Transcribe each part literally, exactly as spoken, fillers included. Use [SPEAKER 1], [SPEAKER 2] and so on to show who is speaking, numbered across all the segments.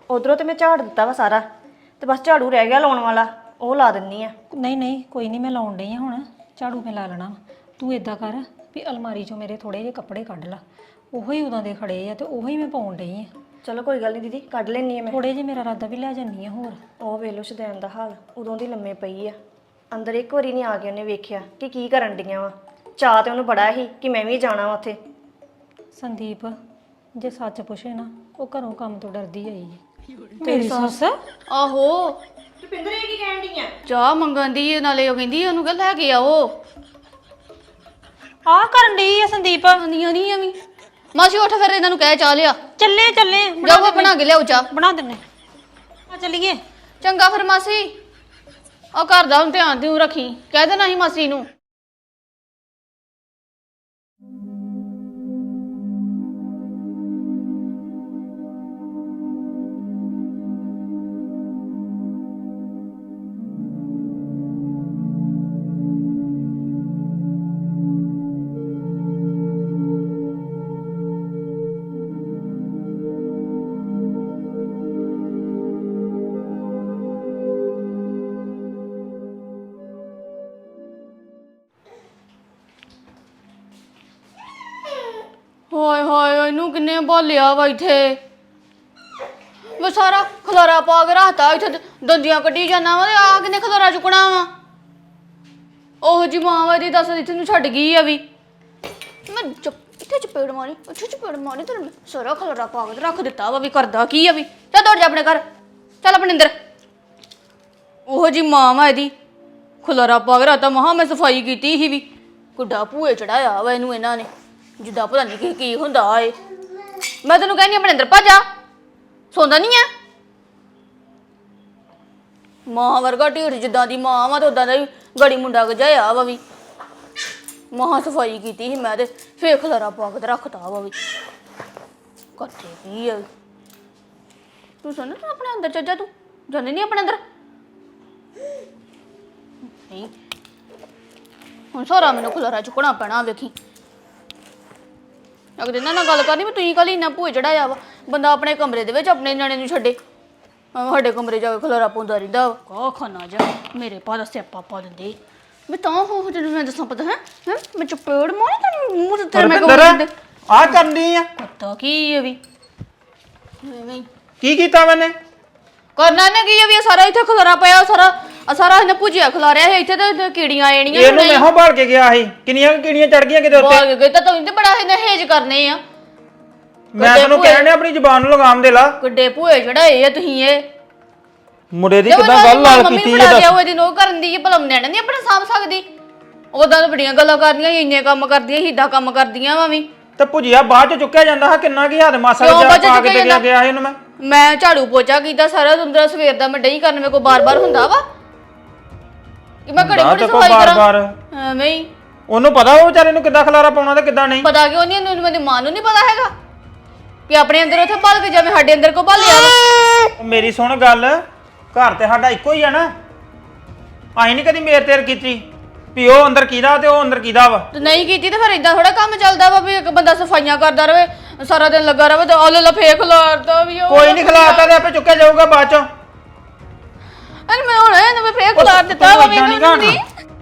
[SPEAKER 1] ਉਧਰੋਂ ਤੇ ਮੈਂ ਝਾੜ ਦਿੱਤਾ ਵਾ ਸਾਰਾ ਤੇ ਬਸ ਝਾੜੂ ਰਹਿ ਗਿਆ ਲਾਉਣ ਵਾਲਾ, ਉਹ ਲਾ ਦਿੰਨੀ ਆ।
[SPEAKER 2] ਨਹੀਂ ਨਹੀਂ ਕੋਈ ਨਹੀਂ, ਮੈਂ ਲਾਉਣ ਡਈ ਆ ਹੁਣ, ਝਾੜੂ ਮੈਂ ਲਾ ਲੈਣਾ। ਤੂੰ ਇਦਾਂ ਕਰ ਵੀ ਅਲਮਾਰੀ 'ਚੋਂ ਮੇਰੇ ਥੋੜੇ ਜਿਹੇ ਕੱਪੜੇ ਕੱਢ ਲਾ, ਉਹੋ ਹੀ ਉਦੋਂ ਦੇ ਖੜੇ ਆ ਤੇ ਉਹੋ ਹੀ ਮੈਂ ਪਾਉਣ ਡਈ ਆ।
[SPEAKER 1] ਚਲੋ ਕੋਈ ਗੱਲ ਨਹੀਂ ਦੀਦੀ, ਕੱਢ ਲੈਣੀ ਆ ਮੈਂ।
[SPEAKER 2] ਥੋੜੇ ਜਿਹੇ ਮੇਰਾ ਇਰਾਦਾ ਵੀ ਲੈ ਜਾਂਦੀ ਆ ਹੋਰ।
[SPEAKER 1] ਉਹ ਵੇਖ ਲੋ ਸ਼ਦੈਨ ਦਾ ਹਾਲ, ਉਦੋਂ ਦੀ ਲੰਮੇ ਪਈ ਆ ਅੰਦਰ, ਇੱਕ ਵਾਰੀ ਨਹੀਂ ਆ ਕੇ ਉਹਨੇ ਵੇਖਿਆ ਕਿ ਕੀ ਕਰਨ ਡੀਆਂ ਵਾ। ਚਾਹ ਤੇ ਉਹਨੂੰ ਬੜਾ ਸੀ ਕਿ ਮੈਂ ਵੀ ਜਾਣਾ ਵਾ ਉੱਥੇ।
[SPEAKER 2] ਸੰਦੀਪ ਜੇ ਸੱਚ ਪੁੱਛੇ ਨਾ, ਉਹ ਘਰੋਂ ਕੰਮ ਤੋਂ ਡਰਦੀ ਆਈ ਹੈ। ਮੇਰੀ ਸੱਸ
[SPEAKER 3] ਆਹੋ
[SPEAKER 1] ਰੁਪਿੰਦਰ ਇਹ ਕੀ ਕਹਿਣ ਡੀਆਂ?
[SPEAKER 3] ਚਾਹ ਮੰਗਣ ਦੀ, ਨਾਲੇ ਉਹ ਕਹਿੰਦੀ ਉਹਨੂੰ ਕਹ ਲੈ ਕੇ ਆਓ।
[SPEAKER 2] ਆਹ ਕਰਨ ਡਈ ਆ ਸੰਦੀਪ।
[SPEAKER 3] ਆਂਦੀਆਂ ਨਹੀਂ ਐਵੇਂ। ਮਾਸੀ ਉੱਠ ਫਿਰ ਇਹਨਾਂ ਨੂੰ ਕਹਿ ਚਾਹ ਲਿਆ।
[SPEAKER 2] ਚੱਲੇ ਚੱਲੇ
[SPEAKER 3] ਜਾਓ ਬਣਾ ਕੇ ਲਿਆਓ ਚਾਹ।
[SPEAKER 2] ਬਣਾ ਦਿੰਨੇ ਆ, ਚੱਲੀਏ।
[SPEAKER 3] ਚੰਗਾ ਫਿਰ ਮਾਸੀ, ਉਹ ਘਰ ਦਾ ਹੁਣ ਧਿਆਨ ਦਿਉ ਰੱਖੀ, ਕਹਿ ਦੇਣਾ ਸੀ ਮਾਸੀ ਨੂੰ। ਹਾਏ ਹਾਏ ਇਹਨੂੰ ਕਿੰਨੇ ਬੋਲਿਆ ਵਾ ਇੱਥੇ, ਮੈਂ ਸਾਰਾ ਖਲਾਰਾ ਪਾ ਕੇ ਰੱਖਤਾ ਇੱਥੇ, ਦੰਦੀਆਂ ਕੱਢੀ ਜਾਣਾ ਵਾ ਤੇ ਆ ਕਿੰਨੇ ਖਲਾਰਾ ਚੁੱਕਣਾ ਵਾ। ਉਹ ਜੀ ਮਾਂ ਵਾ ਦੀ ਦੱਸ ਇੱਥੇ ਨੂੰ ਛੱਡ ਗਈ ਆ ਵੀ, ਮੈਂ ਚੁੱਪ ਇੱਥੇ ਚਪੇੜ ਮਾਰੀ, ਇੱਥੇ ਚਪੇੜ ਮਾਰੀ ਤੇ ਸਾਰਾ ਖਲਾਰਾ ਪਾ ਕੇ ਰੱਖ ਦਿੱਤਾ ਵਾ ਵੀ ਕਰਦਾ ਕੀ ਆ ਵੀ। ਚੱਲ ਦੌੜ ਜਾ ਆਪਣੇ ਘਰ, ਚੱਲ ਆਪਣੇ ਅੰਦਰ। ਉਹ ਜੀ ਮਾਂ ਵਾ ਇਹਦੀ, ਖਲਾਰਾ ਪਾ ਕੇ ਰੱਖਤਾ। ਮਹਾ ਮੈਂ ਸਫਾਈ ਕੀਤੀ ਸੀ ਵੀ, ਗੁੱਡਾ ਭੂਏ ਚੜਾਇਆ ਵਾ ਇਹਨੂੰ ਇਹਨਾਂ ਨੇ, ਜਿੱਦਾਂ ਪਤਾ ਨਹੀਂ ਕੀ ਕੀ ਹੁੰਦਾ ਏ। ਮੈਂ ਤੈਨੂੰ ਕਹਿੰਦੀ ਆਪਣੇ ਅੰਦਰ ਭੱਜ ਜਾ, ਸੌਂਦਾ ਨਹੀਂ ਆ। ਮਾਂ ਵਰਗਾ ਢੀਠ ਜਿੱਦਾਂ ਦੀ ਮਾਂ ਵਾ ਤੇ ਉਦਾਂ ਦਾ ਹੀ ਗੜੀ ਮੁੰਡਾ ਗਜਾਇਆ ਵਾ ਵੀ। ਮਹਾ ਸਫਾਈ ਕੀਤੀ ਸੀ ਮੈਂ ਤੇ ਫੇਰ ਖਲਾਰਾ ਪਾ ਕੇ ਰੱਖਤਾ ਵਾ ਵੀ। ਕੱਟੇ ਕੀ ਆ ਤੂੰ? ਸੁਣ ਤੂੰ ਆਪਣੇ ਅੰਦਰ ਚੱਲ ਜਾ, ਤੂੰ ਜਾਂਦੀ ਨਹੀਂ ਆਪਣੇ ਅੰਦਰ। ਨਹੀਂ ਹੁਣ ਸਾਰਾ ਮੈਨੂੰ ਖਲਾਰਾ ਚੁੱਕਣਾ ਪੈਣਾ ਵੇਖੀ। ਅਗਰ ਇਹਨਾਂ ਨਾਲ ਗੱਲ ਕਰਨੀ ਵੀ ਤੁਸੀਂ ਕੱਲ ਇੰਨਾ ਭੂਏ ਚੜਾਇਆ ਵਾ, ਬੰਦਾ ਆਪਣੇ ਕਮਰੇ ਦੇ ਵਿੱਚ ਆਪਣੇ ਨਿਆਣੇ ਨੂੰ ਛੱਡੇ, ਸਾਡੇ ਕਮਰੇ ਜਾ ਕੇ ਖਲਾਰਾ ਪਾਉਂਦਾ ਰਹਿੰਦਾ ਵਾ। ਕਾ ਖਾਨਾ ਜਾ ਮੇਰੇ ਪਾ ਦਾ ਸਿਆਪਾ ਪਾ ਦਿੰਦੇ ਮੈਂ ਤਾਂ ਹੋ ਜਦੋਂ ਮੈਂ ਦੱਸਾਂ ਪਤਾ ਹੈ ਹੈ ਮੈਂ ਚਪੇੜ ਮਾਰੀ ਤੈਨੂੰ ਮੂੰਹ ਤੇ ਤੇਰੇ ਮੈਂ
[SPEAKER 4] ਰੁਪਿੰਦਰ ਆ ਕਰਨੀ ਆ
[SPEAKER 3] ਪਤਾ ਕੀ ਹੈ ਵੀ ਐਵੇਂ
[SPEAKER 4] ਕੀ ਕੀਤਾ ਮੈਨੇ?
[SPEAKER 3] ਕਰਨਾ ਨੇ ਕੀ ਹੈ ਵੀ ਇਹ ਸਾਰਾ ਇੱਥੇ ਖਲਾਰਾ ਪਿਆ, ਸਾਰਾ ਆ ਸਾਰਾ ਇਹਨੇ ਭੁਜਿਆ ਖਲਾਰਿਆ ਹੈ ਇੱਥੇ ਤੇ ਕੀੜੀਆਂ ਆਣੀਆਂ।
[SPEAKER 4] ਇਹਨੂੰ ਮੈਂ ਹੋ ਭਾਲ ਕੇ ਗਿਆ ਸੀ, ਕਿੰਨੀਆਂ ਕੀੜੀਆਂ ਚੜ ਗਈਆਂ ਕਿਤੇ ਉੱਤੇ।
[SPEAKER 3] ਭਾਗ ਗਏ ਤਾਂ ਤੂੰ ਤੇ ਬੜਾ ਇਹਨੇ ਹੇਜ ਕਰਨੇ ਆ।
[SPEAKER 4] ਮੈਂ ਤੈਨੂੰ ਕਹਿਣ ਡਿਆ ਆਪਣੀ ਜ਼ੁਬਾਨ ਨੂੰ ਲਗਾਮ ਦੇ ਲਾ।
[SPEAKER 3] ਗੱਡੇ ਭੂਏ ਚੜਾਏ ਆ ਤੁਸੀਂ ਇਹ
[SPEAKER 4] ਮੁੰਡੇ ਦੀ ਕਿਦਾਂ ਗੱਲ ਲਾਲ ਕੀਤੀ ਇਹ ਦੱਸ।
[SPEAKER 3] ਉਹ ਇਹਦੀ ਨੋ ਕਰਨ ਦੀ ਭਲਮ ਨਿਆਣੇ ਨਹੀਂ ਆਪਣਾ ਸਾਂਭ ਸਕਦੀ, ਉਦਾਂ ਤਾਂ ਬੜੀਆਂ ਗੱਲਾਂ ਕਰਦੀਆਂ, ਇੰਨੇ ਕੰਮ ਕਰਦੀਆਂ, ਹਿੱਦਾਂ ਕੰਮ ਕਰਦੀਆਂ ਵਾ ਵੀ।
[SPEAKER 4] ਤੇ ਭੁਜੀਆ ਬਾਅਦ ਚ ਚੁੱਕਿਆ ਜਾਂਦਾ ਹੈ, ਕਿੰਨਾ ਕੀ ਹੱਦ ਮਾਸਾ ਜਿਹਾ ਪਾ ਕੇ ਦੇ ਗਿਆ ਗਿਆ ਇਹਨੂੰ ਮੈਂ
[SPEAKER 3] ਮੈਂ ਝਾੜੂ ਪੋਚਾ ਕੀਤਾ ਸਾਰਾ ਦੁੰਦਰਾ ਸਵੇਰ ਦਾ, ਮੈਂ ਡਈ ਕਰਨ ਮੇਰੇ ਕੋ ਬਾਰ-ਬਾਰ ਹੁੰਦਾ ਵਾ ਕਿ ਮੈਂ ਘੜੀ ਘੜੀ ਸਫਾਈ ਕਰਾਂ ਐਵੇਂ ਹੀ।
[SPEAKER 4] ਉਹਨੂੰ ਪਤਾ ਉਹ ਵਿਚਾਰੇ ਨੂੰ ਕਿੱਦਾਂ ਖਲਾਰਾ ਪਾਉਣਾ ਤੇ ਕਿੱਦਾਂ ਨਹੀਂ
[SPEAKER 3] ਪਤਾ ਕਿਉਂ ਨਹੀਂ ਉਹਨੂੰ? ਮੇਰੀ ਮਾਂ ਨੂੰ ਨਹੀਂ ਪਤਾ ਹੈਗਾ ਕਿ ਆਪਣੇ ਅੰਦਰ ਉੱਥੇ ਭੱਲ ਕੇ ਜਾਵੇਂ ਸਾਡੇ ਅੰਦਰ ਕੋ ਭੱਲਿਆ ਵਾ।
[SPEAKER 4] ਮੇਰੀ ਸੁਣ ਗੱਲ, ਘਰ ਤੇ ਸਾਡਾ ਇੱਕੋ ਹੀ ਆ ਨਾ, ਅਸੀਂ ਨਹੀਂ ਕਦੀ ਮੇਰ ਤੇਰ ਕੀਤੀ ਵੀ ਉਹ ਅੰਦਰ ਕਿਹਦਾ ਤੇ ਉਹ ਅੰਦਰ ਕਿਹਦਾ ਵਾ।
[SPEAKER 3] ਤੇ ਨਹੀਂ ਕੀਤੀ ਤੇ ਫਿਰ ਇਦਾਂ ਥੋੜਾ ਕੰਮ ਚੱਲਦਾ ਵਾ ਵੀ ਇੱਕ ਬੰਦਾ ਸਫਾਈਆਂ ਕਰਦਾ ਰਵੇ ਸਾਰਾ ਦਿਨ ਲੱਗਾ ਰਵੇ ਤੇ ਆਲੇ ਲਾ ਫੇਕ ਖਲਾਰਦਾ ਵੀ।
[SPEAKER 4] ਕੋਈ ਨਹੀਂ ਖਿਲਾਰਤਾ ਤੇ ਆਪੇ ਚੁੱਕਿਆ ਜਾਊਗਾ ਬਾਅਦ ਚੋਂ।
[SPEAKER 3] ਅਰੇ ਮੈਂ ਹੁਣ ਇਹਨੂੰ ਮੈਂ ਫੇਕ ਖਲਾਰ ਦਿੱਤਾ ਵਾ ਮੈਨੂੰ ਨਹੀਂ।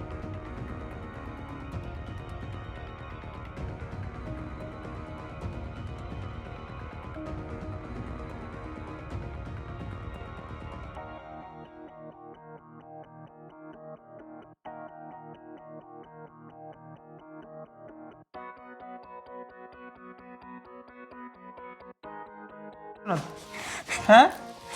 [SPEAKER 4] ਹੈਂ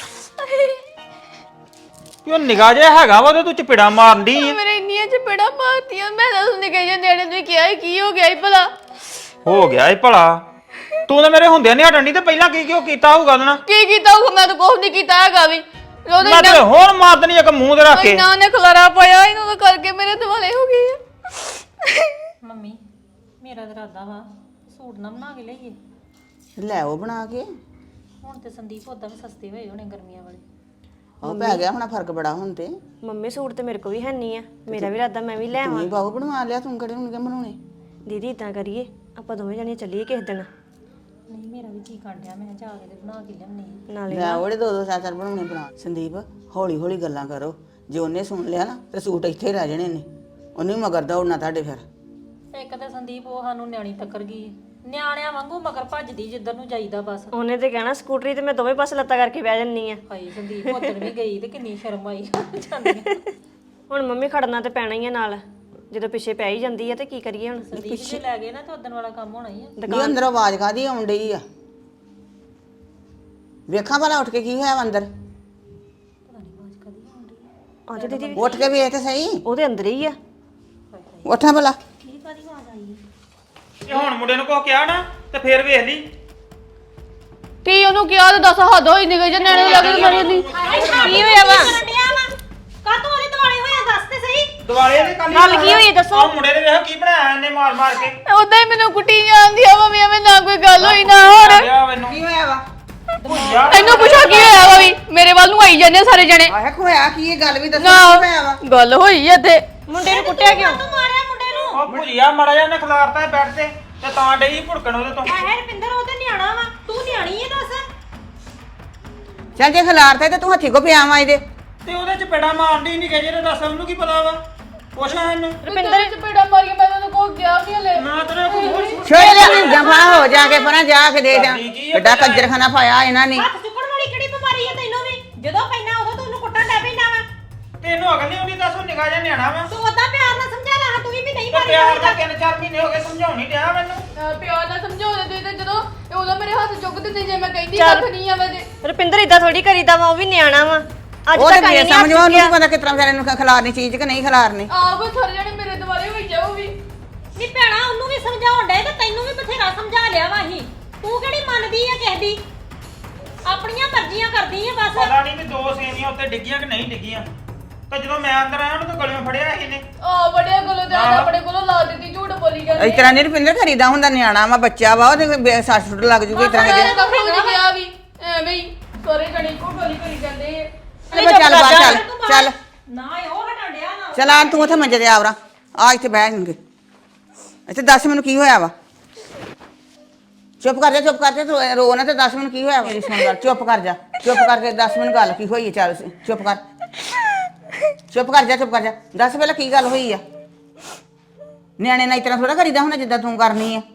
[SPEAKER 4] ਕਿਉਂ ਨਿਗਾਹ ਜਿਹਾ ਹੈਗਾ ਵਾ ਤੇ ਤੂੰ ਚਪੇੜਾ ਮਾਰਨ ਦੀ ਆ।
[SPEAKER 3] ਮੇਰੇ ਇੰਨੀਆਂ ਚਪੇੜਾ ਮਾਰਤੀਆਂ, ਮੈਂ ਤਾਂ ਉਸਨੇ ਕਹੀ ਜਾਂਦੇ ਨੇ ਤੁਸੀਂ ਕਿਹਾ ਕੀ ਹੋ ਗਿਆ ਈ ਭਲਾ?
[SPEAKER 4] ਹੋ ਗਿਆ ਏ ਭਲਾ, ਤੂੰ ਤਾਂ ਮੇਰੇ ਹੁੰਦਿਆਂ ਨਹੀਂ ਹਟਣ ਦੀ ਤੇ ਪਹਿਲਾਂ ਕੀ ਕਿਉਂ ਕੀਤਾ ਹੋਊਗਾ ਉਹਦੇ ਨਾਲ?
[SPEAKER 3] ਕੀ ਕੀਤਾ ਹੋਊਗਾ? ਮੈਂ ਤਾਂ ਕੁਝ ਨਹੀਂ ਕੀਤਾ ਹੈਗਾ ਵੀ। ਉਹਦੇ
[SPEAKER 4] ਮੈਂ ਤੇ ਹੋਰ ਮਾਰ ਦੇਣੀ ਇੱਕ ਮੂੰਹ ਤੇ ਰੱਖ ਕੇ।
[SPEAKER 3] ਨਾ ਨੇ ਖਲਾਰਾ ਪਾਇਆ ਇਹਨੂੰ ਤਾਂ ਕਰਕੇ ਮੇਰੇ ਦਿਵਾਲੇ ਹੋ ਗਏ ਆ।
[SPEAKER 2] ਮੰਮੀ ਮੇਰਾ ਤਾਂ ਇਰਾਦਾ ਵਾ ਸੂਟ ਨਾ ਬਣਾ ਕੇ ਲਈਏ।
[SPEAKER 5] ਲੈ ਉਹ ਬਣਾ ਕੇ।
[SPEAKER 2] ਹੁਣ ਤੇ ਸੰਦੀਪ ਉਦਾਂ ਵੀ ਸਸਤੇ ਹੋਏ ਹੋਣੇ ਗਰਮੀਆਂ ਵਾਲੇ।
[SPEAKER 5] ਉਹ ਪੈ ਗਿਆ ਹੁਣ ਫਰਕ ਬੜਾ ਹੁਣ ਤੇ।
[SPEAKER 1] ਮੰਮੀ ਸੂਟ ਤੇ ਮੇਰੇ ਕੋ ਵੀ ਹੈ ਨਹੀਂ ਆ, ਮੇਰਾ ਵੀ ਇਰਾਦਾ ਮੈਂ ਵੀ ਲੈ ਆਵਾਂ।
[SPEAKER 5] ਤੂੰ ਬਾਹੂ ਬਣਵਾ ਲਿਆ, ਤੂੰ ਕਿਹੜੇ ਹੁਣ ਕਿ ਬਣਾਉਣੇ?
[SPEAKER 1] ਦੀਦੀ ਇਦਾਂ ਕਰੀਏ ਆਪਾਂ ਦੋਵੇਂ ਜਣੀਆਂ ਚੱਲੀਏ ਕਿਸੇ ਦਿਨ।
[SPEAKER 2] ਨਹੀਂ ਮੇਰਾ ਵੀ ਕੀ ਡਿਆ ਮੈਂ ਜਾ ਕੇ ਤੇ ਬਣਾ ਕੇ ਲਿਆਉਣੀ
[SPEAKER 1] ਨਾਲੇ
[SPEAKER 5] ਲੈ ਉਹਦੇ ਦੋ ਦੋ ਚਾਰ ਚਾਰ ਬਣਾਉਣੇ ਬਣਾ। ਸੰਦੀਪ ਹੌਲੀ ਹੌਲੀ ਗੱਲਾਂ ਕਰੋ, ਜੇ ਉਹਨੇ ਸੁਣ ਲਿਆ ਨਾ ਤੇ ਸੂਟ ਇੱਥੇ ਹੀ ਰਹਿ ਜਾਣੇ ਨੇ, ਉਹਨੇ ਵੀ ਮਗਰ ਦੌੜਨਾ ਤੁਹਾਡੇ ਫਿਰ।
[SPEAKER 2] ਇੱਕ ਤਾਂ ਸੰਦੀਪ ਉਹ ਸਾਨੂੰ ਨਿਆਣੀ ਟੱਕਰ ਗਈ ਨਿਆਣਿਆਂ ਵਾਂਗੂ ਮਗਰ ਭੱਜਦੀ ਜਿੱਧਰ ਨੂੰ ਜਾਈਦਾ ਬਸ।
[SPEAKER 1] ਉਹਨੇ ਤੇ ਕਹਿਣਾ ਸਕੂਟਰੀ ਤੇ ਮੈਂ ਦੋਵੇਂ ਪਾਸੇ ਲੱਤਾਂ ਕਰਕੇ ਬਹਿ ਜੰਨੀ ਆ।
[SPEAKER 2] ਹਾਏ ਸੰਦੀਪ ਉਧਰ ਵੀ ਗਈ ਤੇ ਕਿੰਨੀ ਸ਼ਰਮ ਆਈ ਜਾਂਦੀ
[SPEAKER 1] ਹੁਣ ਮੰਮੀ ਖੜਨਾ ਤੇ ਪੈਣਾ ਹੀ ਆ ਨਾਲ, ਜਦੋਂ ਪਿੱਛੇ ਪੈ ਹੀ ਜਾਂਦੀ ਆ ਤੇ ਕੀ ਕਰੀਏ ਹੁਣ।
[SPEAKER 2] ਸੰਦੀਪ ਜੇ ਲੈ ਗਏ ਨਾ ਤੇ ਉਦਣ ਵਾਲਾ ਕੰਮ ਹੋਣਾ ਹੀ ਆ।
[SPEAKER 5] ਨਹੀਂ ਅੰਦਰੋਂ ਆਵਾਜ਼ ਕਾਦੀ ਆਉਣ ਡਈ ਆ? ਵੇਖਾਂ ਭਲਾ ਉੱਠ ਕੇ ਕੀ ਹੋਇਆ ਵਾ ਅੰਦਰ।
[SPEAKER 1] ਅੱਜ ਦੀਦੀ
[SPEAKER 5] ਉੱਠ ਕੇ ਵੇਖ ਤੇ ਸਹੀ,
[SPEAKER 1] ਉਹਦੇ ਅੰਦਰ ਹੀ ਆ।
[SPEAKER 5] ਉੱਠਾਂ ਭਲਾ।
[SPEAKER 4] ਇਹ ਹੁਣ ਮੁੰਡੇ ਨੂੰ ਕੋ ਕਿਹਾ ਨਾ ਤੇ ਫੇਰ ਵੇਖ ਲਈ।
[SPEAKER 3] ਕੀ ਉਹਨੂੰ ਕਿਹਾ ਤੇ ਦੱਸ ਹੱਦ ਹੋਈ ਨਿਕਲ ਜੇ ਨਿਆਣੇ ਲੱਗ ਮਰੇ ਨਹੀਂ
[SPEAKER 1] ਕੀ ਹੋਇਆ ਵਾ?
[SPEAKER 2] ਕਾਤੋਂ ਉਹਦੇ ਦੁਆਲੇ ਹੋਇਆ ਦੱਸ ਤੇ ਸਹੀ।
[SPEAKER 4] ਦੁਆਲੇ ਦੇ ਕੱਲ
[SPEAKER 1] ਗੱਲ ਕੀ ਹੋਈ ਦੱਸੋ?
[SPEAKER 4] ਉਹ ਮੁੰਡੇ ਨੇ ਵੇਖ ਕੀ ਬਣਾਇਆ ਇਹਨੇ ਮਾਰ ਮਾਰ ਕੇ।
[SPEAKER 3] ਉਦਾਂ ਹੀ ਮੈਨੂੰ ਕੁੱਟੀ ਜਾਂਦੀ ਆ ਮੰਮੀ ਐਵੇਂ ਨਾ ਕੋਈ ਗੱਲ ਹੋਈ ਨਾ ਹੋਰ
[SPEAKER 4] ਲਿਆ ਮੈਨੂੰ
[SPEAKER 5] ਕੀ ਹੋਇਆ ਵਾ?
[SPEAKER 4] ਯਾਰ
[SPEAKER 3] ਇਹਨੂੰ ਪੁੱਛੋ ਕੀ ਹੋਇਆ ਵਾ ਵੀ ਮੇਰੇ ਵੱਲ ਨੂੰ ਆਈ ਜਾਂਦੇ ਸਾਰੇ ਜਣੇ
[SPEAKER 5] ਆਹ ਹੋਇਆ ਕੀ? ਇਹ ਗੱਲ ਵੀ ਦੱਸੋ
[SPEAKER 3] ਨਾ
[SPEAKER 5] ਕੀ ਹੋਇਆ ਵਾ?
[SPEAKER 3] ਗੱਲ ਹੋਈ ਇੱਥੇ
[SPEAKER 1] ਮੁੰਡੇ ਨੂੰ ਕੁੱਟਿਆ ਕਿਉਂ?
[SPEAKER 2] ਮਾਰਿਆ ਮੁੰਡੇ ਨੂੰ।
[SPEAKER 4] ਉਹ ਭੁਜੀਆ ਮੜਾ ਜਾ ਨੇ ਖਿਲਾਰਤਾ ਬੈੱਡ ਤੇ ਤੇ ਤਾਂ ਡਈ ਭੁੜਕਣ ਉਹਦੇ ਤੋਂ।
[SPEAKER 2] ਹੈ ਰਪਿੰਦਰ ਉਹ ਤੇ ਨਿਆਣਾ ਵਾ ਤੂੰ ਨਿਆਣੀ ਹੈ ਦੱਸ।
[SPEAKER 5] ਚੱਲ ਜੇ ਖਿਲਾਰਤਾ ਤੇ ਤੂੰ ਹੱਥੀ ਕੋ ਪਿਆ ਵਾ ਇਹਦੇ।
[SPEAKER 4] ਤੇ ਉਹਦੇ ਚ ਪੇੜਾ ਮਾਰਦੀ ਨਹੀਂ ਕਿ ਜਿਹਨੇ ਦੱਸ ਉਹਨੂੰ ਕੀ ਪਤਾ ਵਾ? ਪੁੱਛਣਾ ਇਹਨੂੰ।
[SPEAKER 3] ਰੁਪਿੰਦਰ ਚ ਪੇੜਾ ਮਾਰੀ ਮੈਂ ਉਹਨੂੰ ਕੋ ਗਿਆ ਵੀ ਹਲੇ
[SPEAKER 4] ਨਾ ਤੇਰੇ ਕੋਈ ਹੋਰ ਸੁਣ।
[SPEAKER 5] ਛੋੜ ਲੈ ਜਫਾ ਹੋ ਜਾ ਕੇ ਪਰਾਂ ਜਾ ਕੇ ਦੇ ਜਾ। ਕਿੱਡਾ ਕੰਜਰਖਾਨਾ ਪਾਇਆ ਇਹਨਾਂ ਨੇ।
[SPEAKER 2] ਹੱਥ ਚੁੱਕਣ ਵਾਲੀ ਕਿਹੜੀ ਬਿਮਾਰੀ ਹੈ ਤੈਨੂੰ ਵੀ? ਜਦੋਂ ਪੈਣਾ ਉਦੋਂ ਤੂੰ ਉਹਨੂੰ ਕੁੱਟਣ ਲੱਗ ਪੈਣਾ ਵਾ।
[SPEAKER 4] ਤੈਨੂੰ ਅਗਲ ਨਹੀਂ ਆਉਂਦੀ ਦੱਸ ਉਹ ਨਿਗਾਹ ਜਾਂ ਨਿਆਣਾ ਵਾ।
[SPEAKER 2] ਤੂੰ ਉਦਾਂ ਪਿਆਰ ਨਾਲ ਸਮਝਾ ਲਾ ਤੂੰ ਵੀ ਵੀ ਨਹੀਂ
[SPEAKER 4] ਤੇ
[SPEAKER 2] ਮਾਰੀ
[SPEAKER 4] ਪਿਆਰ ਦਾ ਤਿੰਨ ਚਾਰ ਮਹੀਨੇ ਹੋ ਗਏ ਸਮਝਾਉਣੀ ਡਿਆ ਮੈਨੂੰ।
[SPEAKER 3] ਪਿਆਰ ਨਾਲ ਸਮਝਾਉਂਦੇ ਤੁਸੀਂ ਤੇ ਜਦੋਂ ਇਹ ਉਦੋਂ ਮੇਰੇ ਹੱਥ ਚੁੱਕ ਦਿੰਦੇ ਜੇ ਮੈਂ ਕਹਿੰਦੀ
[SPEAKER 1] ਚੱਲ।
[SPEAKER 3] ਕੱਖ ਨਹੀਂ ਆ ਵਜੇ
[SPEAKER 1] ਰੁਪਿੰਦਰ ਇਦਾਂ ਥੋੜੀ ਕਰੀਦਾ ਵਾ, ਉਹ ਵੀ ਨਿਆਣਾ ਵਾ। ਅੱਜ
[SPEAKER 5] ਉਹ
[SPEAKER 1] ਤੱਕ
[SPEAKER 5] ਤੇ
[SPEAKER 1] ਆਈ
[SPEAKER 5] ਬੇ
[SPEAKER 1] ਨਹੀਂ
[SPEAKER 5] ਸਮਝੋ,
[SPEAKER 1] ਹੱਥ
[SPEAKER 5] ਉਹਨੂੰ
[SPEAKER 1] ਚੁੱਕਿਆ।
[SPEAKER 5] ਕੀ ਪਤਾ ਕਿਸ ਤਰ੍ਹਾਂ ਵਿਚਾਰੇ ਨੂੰ ਖਿਲਾਰਨੀ ਚੀਜ਼ ਕਿ ਨਹੀਂ ਖਿਲਾਰਨੀ।
[SPEAKER 3] ਆਪ ਸਾਰੇ ਜਣੇ ਮੇਰੇ ਦੁਆਲੇ ਹੋਈ ਜਾਓ ਵੀ
[SPEAKER 2] ਨਹੀਂ ਭੈਣਾ ਉਹਨੂੰ ਵੀ ਸਮਝਾਉਣ ਡਏ ਤੇ ਤੈਨੂੰ ਵੀ ਬਥੇਰਾ ਸਮਝਾ ਲਿਆ ਵਾ ਅਸੀਂ। ਤੂੰ ਕਿਹੜੀ ਮੰਨਦੀ ਆ ਕਿਸੇ ਦੀ? ਆਪਣੀਆਂ ਮਰਜ਼ੀਆਂ ਕਰਦੀ ਆ ਬਸ।
[SPEAKER 4] ਪਤਾ ਨਹੀਂ ਵੀ ਦੋ ਸੇਵੀਆਂ ਉੱਤੇ ਡਿੱਗੀਆਂ ਕਿ ਨਹੀਂ ਡਿੱਗੀਆਂ। ਤੇ ਜਦੋਂ ਮੈਂ ਅੰਦਰ ਆਇਆ ਉਹਨੂੰ ਤਾਂ ਗਲਿਓਂ ਫੜਿਆ ਸੀ ਇਹਨੇ।
[SPEAKER 3] ਆ ਬੜਿਆ ਕੋਲੋਂ ਤੇ ਅੱਜ ਆਪਣੇ ਕੋਲੋਂ ਲਾ ਦਿੱਤੀ ਝੂਠ ਬੋਲੀ ਜਾਂਦੀ
[SPEAKER 5] ਇਸ ਤਰ੍ਹਾਂ ਨਹੀਂ ਰੁਪਿੰਦਰ ਕਰੀਦਾ ਹੁੰਦਾ, ਨਿਆਣਾ ਵਾ ਬੱਚਾ ਵਾ ਉਹਦੇ ਸੱਟ ਸੁੱਟ ਲੱਗ ਜੂਗੀ ਇਸ ਤਰ੍ਹਾਂ
[SPEAKER 3] ਮੈਂ
[SPEAKER 5] ਕਿਤੇ।
[SPEAKER 3] ਕੱਖ ਨਹੀਂ ਕਿਹਾ ਵੀ ਐਵੇਂ ਹੀ ਸਾਰੇ ਜਣੇ ਇੱਕੋ ਗੋਲੀ ਕਰੀ ਜਾਂਦੇ ਆ
[SPEAKER 5] ਚੱਲ ਚੱਲ ਬਾਹਰ ਚੱਲ ਚੱਲ
[SPEAKER 2] ਨਾ ਇਹ ਉਹ ਹਟਣ ਡਿਆ ਨਾ।
[SPEAKER 5] ਚੱਲ ਆ ਤੂੰ ਉੱਥੇ ਮੰਜੇ ਤੇ ਆਵਰਾ ਆ ਇੱਥੇ ਬਹਿ ਜਾਣਗੇ। ਇੱਥੇ ਦੱਸ ਮੈਨੂੰ ਕੀ ਹੋਇਆ ਵਾ? ਚੁੱਪ ਕਰ ਜਾ ਚੁੱਪ ਕਰ ਜਾ ਤੂੰ ਰੋ ਨਾ ਤੇ ਦੱਸ ਮੈਨੂੰ ਕੀ ਹੋਇਆ ਵਾ? ਮੇਰੀ ਸੁਣ ਗੱਲ, ਚੁੱਪ ਕਰ ਜਾ ਚੁੱਪ ਕਰਕੇ ਦੱਸ ਮੈਨੂੰ ਗੱਲ ਕੀ ਹੋਈ ਹੈ। ਚੱਲ ਚੁੱਪ ਕਰ ਚੁੱਪ ਕਰ ਜਾ ਚੁੱਪ ਕਰ ਜਾ ਦੱਸ ਪਹਿਲਾਂ ਕੀ ਗੱਲ ਹੋਈ ਆ? ਨਿਆਣੇ ਨਾਲ ਇਤਨਾ ਥੋੜਾ ਕਰੀਦਾ ਹੁੰਦਾ ਜਿੱਦਾਂ ਤੂੰ ਕਰਨੀ ਆ।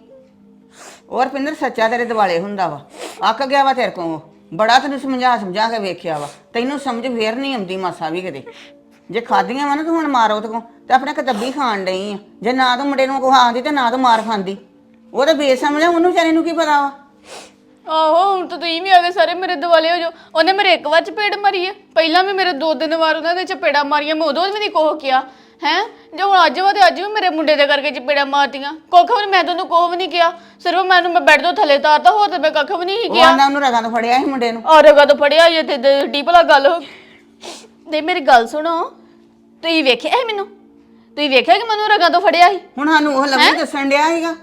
[SPEAKER 5] ਔਰ ਪਿੰਦਰ ਸੱਚਾ ਤੇਰੇ ਦਿਵਾਲੇ ਹੁੰਦਾ ਵਾ, ਅੱਕ ਗਿਆ ਵਾ ਤੇਰੇ ਕੋਲ। ਬੜਾ ਤੈਨੂੰ ਸਮਝਾ ਸਮਝਾ ਕੇ ਵੇਖਿਆ ਵਾ, ਤੈਨੂੰ ਸਮਝ ਫੇਰ ਨਹੀਂ ਆਉਂਦੀ ਮਾਸਾ ਵੀ ਕਿਤੇ। ਜੇ ਖਾਦੀਆਂ ਵਾ ਨਾ ਤੂੰ ਹੁਣ ਮਾਰੋ ਤੇ ਤੇ ਆਪਣੇ ਕਤੱਬੀ ਖਾਣ ਡਈ ਆ। ਜੇ ਨਾ ਤੂੰ ਮੁੰਡੇ ਨੂੰ ਕੋ ਆਂਦੀ ਤੇ ਨਾ ਤੂੰ ਮਾਰ ਖਾਂਦੀ। ਉਹ ਤਾਂ ਬੇਸਮਝ ਆ, ਉਹਨੂੰ ਵਿਚਾਰੇ ਨੂੰ ਕੀ ਪਤਾ ਵਾ।
[SPEAKER 3] ਆਹੋ ਹੁਣ ਤਾਂ ਤੁਸੀਂ ਵੀ ਆ ਗਏ ਸਾਰੇ ਮੇਰੇ ਦੁਆਲੇ ਹੋ ਜੋ। ਉਹਨੇ ਮੇਰੇ ਇੱਕ ਵਾਰ ਚਪੇੜ ਮਾਰੀ ਹੈ, ਪਹਿਲਾਂ ਵੀ ਮੇਰੇ ਦੋ ਤਿੰਨ ਵਾਰ ਉਹਨਾਂ ਦੇ ਚਪੇੜਾ ਮਾਰੀਆਂ, ਮੈਂ ਉਦੋਂ ਵੀ ਨਹੀਂ ਕੋਹ ਕਿਹਾ ਹੈ। ਜੇ ਹੁਣ ਅੱਜ ਵਾ ਤੇ ਅੱਜ ਵੀ ਮੇਰੇ ਮੁੰਡੇ ਦੇ ਕਰਕੇ ਚਪੇੜਾ ਮਾਰਦੀਆਂ। ਕੁੱਖ ਵੀ ਮੈਂ ਤੁਹਾਨੂੰ ਕੋਹ ਵੀ ਨਹੀਂ ਕਿਹਾ, ਸਿਰਫ ਮੈਨੂੰ ਮੈਂ ਬੈੱਡ ਤੋਂ ਥੱਲੇ ਤਾਰਦਾ, ਹੋਰ ਤੇ ਮੈਂ ਕੱਖ ਵੀ ਨਹੀਂ
[SPEAKER 5] ਉਹ
[SPEAKER 3] ਕਿਹਾ।
[SPEAKER 5] ਆਂਦਾ ਉਹਨੂੰ ਰਗਾਂ ਤੋਂ ਫੜਿਆ ਸੀ ਮੁੰਡੇ ਨੂੰ।
[SPEAKER 3] ਔਰ ਰਗਾ ਤੋਂ ਫੜਿਆ ਜੇ ਤੇ ਡੀਪਲਾ ਗੱਲ ਹੋ ਤੇ ਮੇਰੀ ਗੱਲ ਸੁਣੋ, ਤੁਸੀਂ ਵੇਖਿਆ ਸੀ ਮੈਨੂੰ? ਤੁਸੀਂ ਵੇਖਿਆ ਕਿ ਮੈਨੂੰ ਰਗਾ ਤੋਂ ਫੜਿਆ ਸੀ?
[SPEAKER 5] ਹੁਣ ਸਾਨੂੰ ਉਹ ਲੱਗੀ ਦੱਸਣ ਡਿਆ ਸੀਗਾ।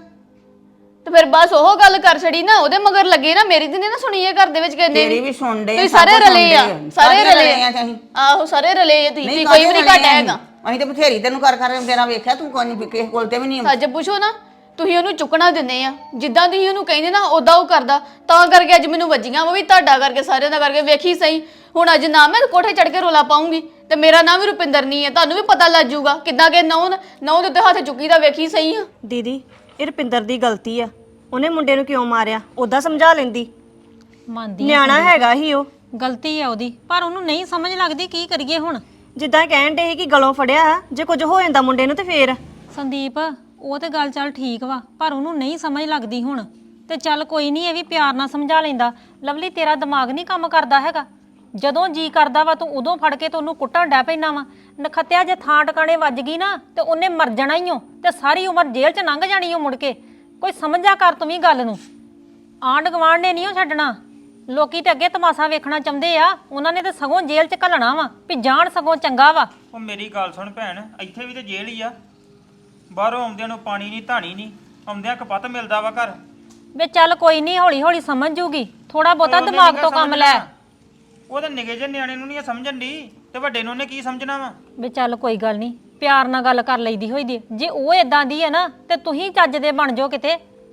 [SPEAKER 3] ਤੇ ਫਿਰ ਬਸ ਉਹ ਗੱਲ ਕਰ ਛੜੀ ਨਾ, ਉਹਦੇ ਮਗਰ ਲੱਗੇ ਨਾ, ਮੇਰੀ ਤੇ ਨਹੀਂ ਨਾ ਸੁਣੀ ਇਹ ਘਰ ਦੇ ਵਿੱਚ ਕਹਿੰਦੇ
[SPEAKER 5] ਤੇਰੀ ਵੀ ਸੁਣ ਡੇ
[SPEAKER 3] ਤੁਸੀਂ ਸਾਰੇ ਰਲੇ ਆ, ਸਾਰੇ ਰਲੇ ਆ।
[SPEAKER 5] ਅਸੀਂ
[SPEAKER 3] ਆਹੋ ਸਾਰੇ ਰਲੇ ਆ, ਤੁਸੀਂ
[SPEAKER 5] ਨਹੀਂ
[SPEAKER 3] ਕੋਈ ਵੀ ਨਹੀਂ ਘੱਟ ਹੈਗਾ।
[SPEAKER 5] ਅਸੀਂ ਤੇ ਬਥੇਰੀ ਤੈਨੂੰ ਕਰ ਕਰ ਤੇਰਾ ਵੇਖਿਆ, ਤੂੰ ਕੋਈ ਨਹੀਂ ਕਿਸੇ ਕੋਲ ਤੇ ਵੀ ਨਹੀਂ।
[SPEAKER 3] ਸੱਜ ਪੁੱਛੋ ਨਾ, ਤੁਸੀਂ ਉਹਨੂੰ ਚੁੱਕਣਾ ਦਿੰਦੇ ਆ, ਜਿੱਦਾਂ ਤੁਸੀਂ ਉਹਨੂੰ ਕਹਿੰਦੇ ਨਾ ਉਦਾਂ ਉਹ ਕਰਦਾ। ਤਾਂ ਕਰਕੇ ਅੱਜ ਮੈਨੂੰ ਵੱਜੀਆਂ ਉਹ ਵੀ ਤੁਹਾਡਾ ਕਰਕੇ, ਸਾਰਿਆਂ ਦਾ ਕਰਕੇ। ਵੇਖੀ ਸਹੀ ਹੁਣ ਅੱਜ ਨਾ ਮੈਂ ਕੋਠੇ ਚੜ ਕੇ ਰੋਲਾ ਪਾਉਂਗੀ ਤੇ ਮੇਰਾ ਨਾਮ ਵੀ ਰੁਪਿੰਦਰ ਨਹੀਂ ਹੈ, ਤੁਹਾਨੂੰ ਵੀ ਪਤਾ ਲੱਗ ਜਾਊਗਾ ਕਿੱਦਾਂ ਕਿ ਨੌ ਨੌ ਦੇ ਉੱਤੇ ਹੱਥ ਚੁੱਕੀ ਦਾ। ਵੇਖੀ ਸਹੀ ਆ
[SPEAKER 1] ਦੀਦੀ ਇਹ ਰੁਪਿੰਦਰ ਦੀ ਗਲਤੀ ਆ, ਉਹਨੇ ਮੁੰਡੇ ਨੂੰ ਕਿਉਂ ਮਾਰਿਆ? ਉਦਾਂ ਸਮਝਾ ਲੈਂਦੀ,
[SPEAKER 2] ਮੰਨਦੀ
[SPEAKER 1] ਨਿਆਣਾ ਹੈਗਾ ਹੀ ਉਹ।
[SPEAKER 2] ਗਲਤੀ ਆ ਉਹਦੀ, ਪਰ ਉਹਨੂੰ ਨਹੀਂ ਸਮਝ ਲੱਗਦੀ ਕੀ ਕਰੀਏ ਹੁਣ।
[SPEAKER 1] ਜਿੱਦਾਂ ਕਹਿਣ ਡੇ ਸੀ ਕਿ ਗਲੋਂ ਫੜਿਆ, ਜੇ ਕੁਝ ਹੋ ਜਾਂਦਾ ਮੁੰਡੇ ਨੂੰ ਤੇ ਫੇਰ।
[SPEAKER 2] ਸੰਦੀਪ ਉਹ ਤੇ ਗੱਲ ਚੱਲ ਠੀਕ ਵਾ, ਪਰ ਉਹਨੂੰ ਨਹੀਂ ਸਮਝ ਲੱਗਦੀ ਹੁਣ। ਤੇ ਚੱਲ ਕੋਈ ਨਹੀਂ, ਇਹ ਵੀ ਪਿਆਰ ਨਾਲ ਸਮਝਾ ਲੈਂਦਾ। ਲਵਲੀ ਤੇਰਾ ਦਿਮਾਗ ਨਹੀਂ ਕੰਮ ਕਰਦਾ ਹੈਗਾ, ਜਦੋਂ ਜੀ ਕਰਦਾ ਵਾ ਤੂੰ ਉਦੋਂ ਫੜ ਕੇ ਤੇ ਉਹਨੂੰ ਕੁੱਟਣ ਡੈ ਪੈਣਾ ਵਾ। ਨਖੱਤਿਆ ਜੇ ਥਾਂ ਟਿਕਾਣੇ ਵੱਜ ਗਈ ਨਾ ਤੇ ਉਹਨੇ ਮਰ ਜਾਣਾ ਹੀ ਓ, ਤੇ ਸਾਰੀ ਉਮਰ ਜੇਲ੍ਹ 'ਚ ਲੰਘ ਜਾਣੀ ਓ ਮੁੜ ਕੇ। ਕੋਈ ਸਮਝਿਆ ਕਰ ਤੂੰ ਵੀ ਗੱਲ ਨੂੰ। ਆਂਢ ਗੁਆਂਢ ਨੇ ਨਹੀਂ ਉਹ ਛੱਡਣਾ। ਲੋਕੀ ਤੇ ਅੱਗੇ ਤਮਾਸ਼ਾ ਵੇਖਣਾ ਚਾਹੁੰਦੇ ਆ, ਉਹਨਾਂ ਨੇ ਤੇ ਸਗੋਂ ਜੇਲ੍ਹ 'ਚ ਘੱਲਣਾ ਵਾ ਵੀ ਜਾਣ, ਸਗੋਂ ਚੰਗਾ ਵਾ।
[SPEAKER 4] ਉਹ ਮੇਰੀ ਗੱਲ ਸੁਣ ਭੈਣ, ਇੱਥੇ ਵੀ ਤੇ ਜੇਲ੍ਹ ਹੀ ਆ। ਬਾਹਰੋਂ ਆਉਂਦਿਆਂ ਨੂੰ ਪਾਣੀ ਨਹੀਂ ਧਾਣੀ ਨਹੀਂ, ਆਉਂਦਿਆਂ ਕਪੱਤ ਮਿਲਦਾ ਵਾ ਘਰ।
[SPEAKER 2] ਵੇ ਚੱਲ ਕੋਈ ਨਹੀਂ, ਹੌਲੀ ਹੌਲੀ ਸਮਝ ਜੂਗੀ। ਥੋੜਾ ਬਹੁਤਾ ਦਿਮਾਗ ਤੋਂ ਕੰਮ ਲੈ।
[SPEAKER 4] ਉਹਦੇ ਨਿੱਕੇ ਜਿਹੇ ਨਿਆਣੇ ਨੂੰ ਨਹੀਂ ਸਮਝਣ ਦੀ, ਤੇ ਵੱਡੇ ਨੂੰ ਉਹਨੇ ਕੀ ਸਮਝਣਾ ਵਾ?
[SPEAKER 2] ਵੇ ਚੱਲ ਕੋਈ ਗੱਲ ਨਹੀਂ, ਪਿਆਰ ਨਾਲ ਗੱਲ ਕਰ ਲਈਦੀ ਹੋਈ ਦੀ। ਜੇ ਉਹ ਇਦਾਂ ਦੀ ਹੈ ਨਾ ਤੇ ਤੁਸੀਂ ਚੱਜ ਦੇ ਬਣ ਜਾਓ ਕਿਤੇ।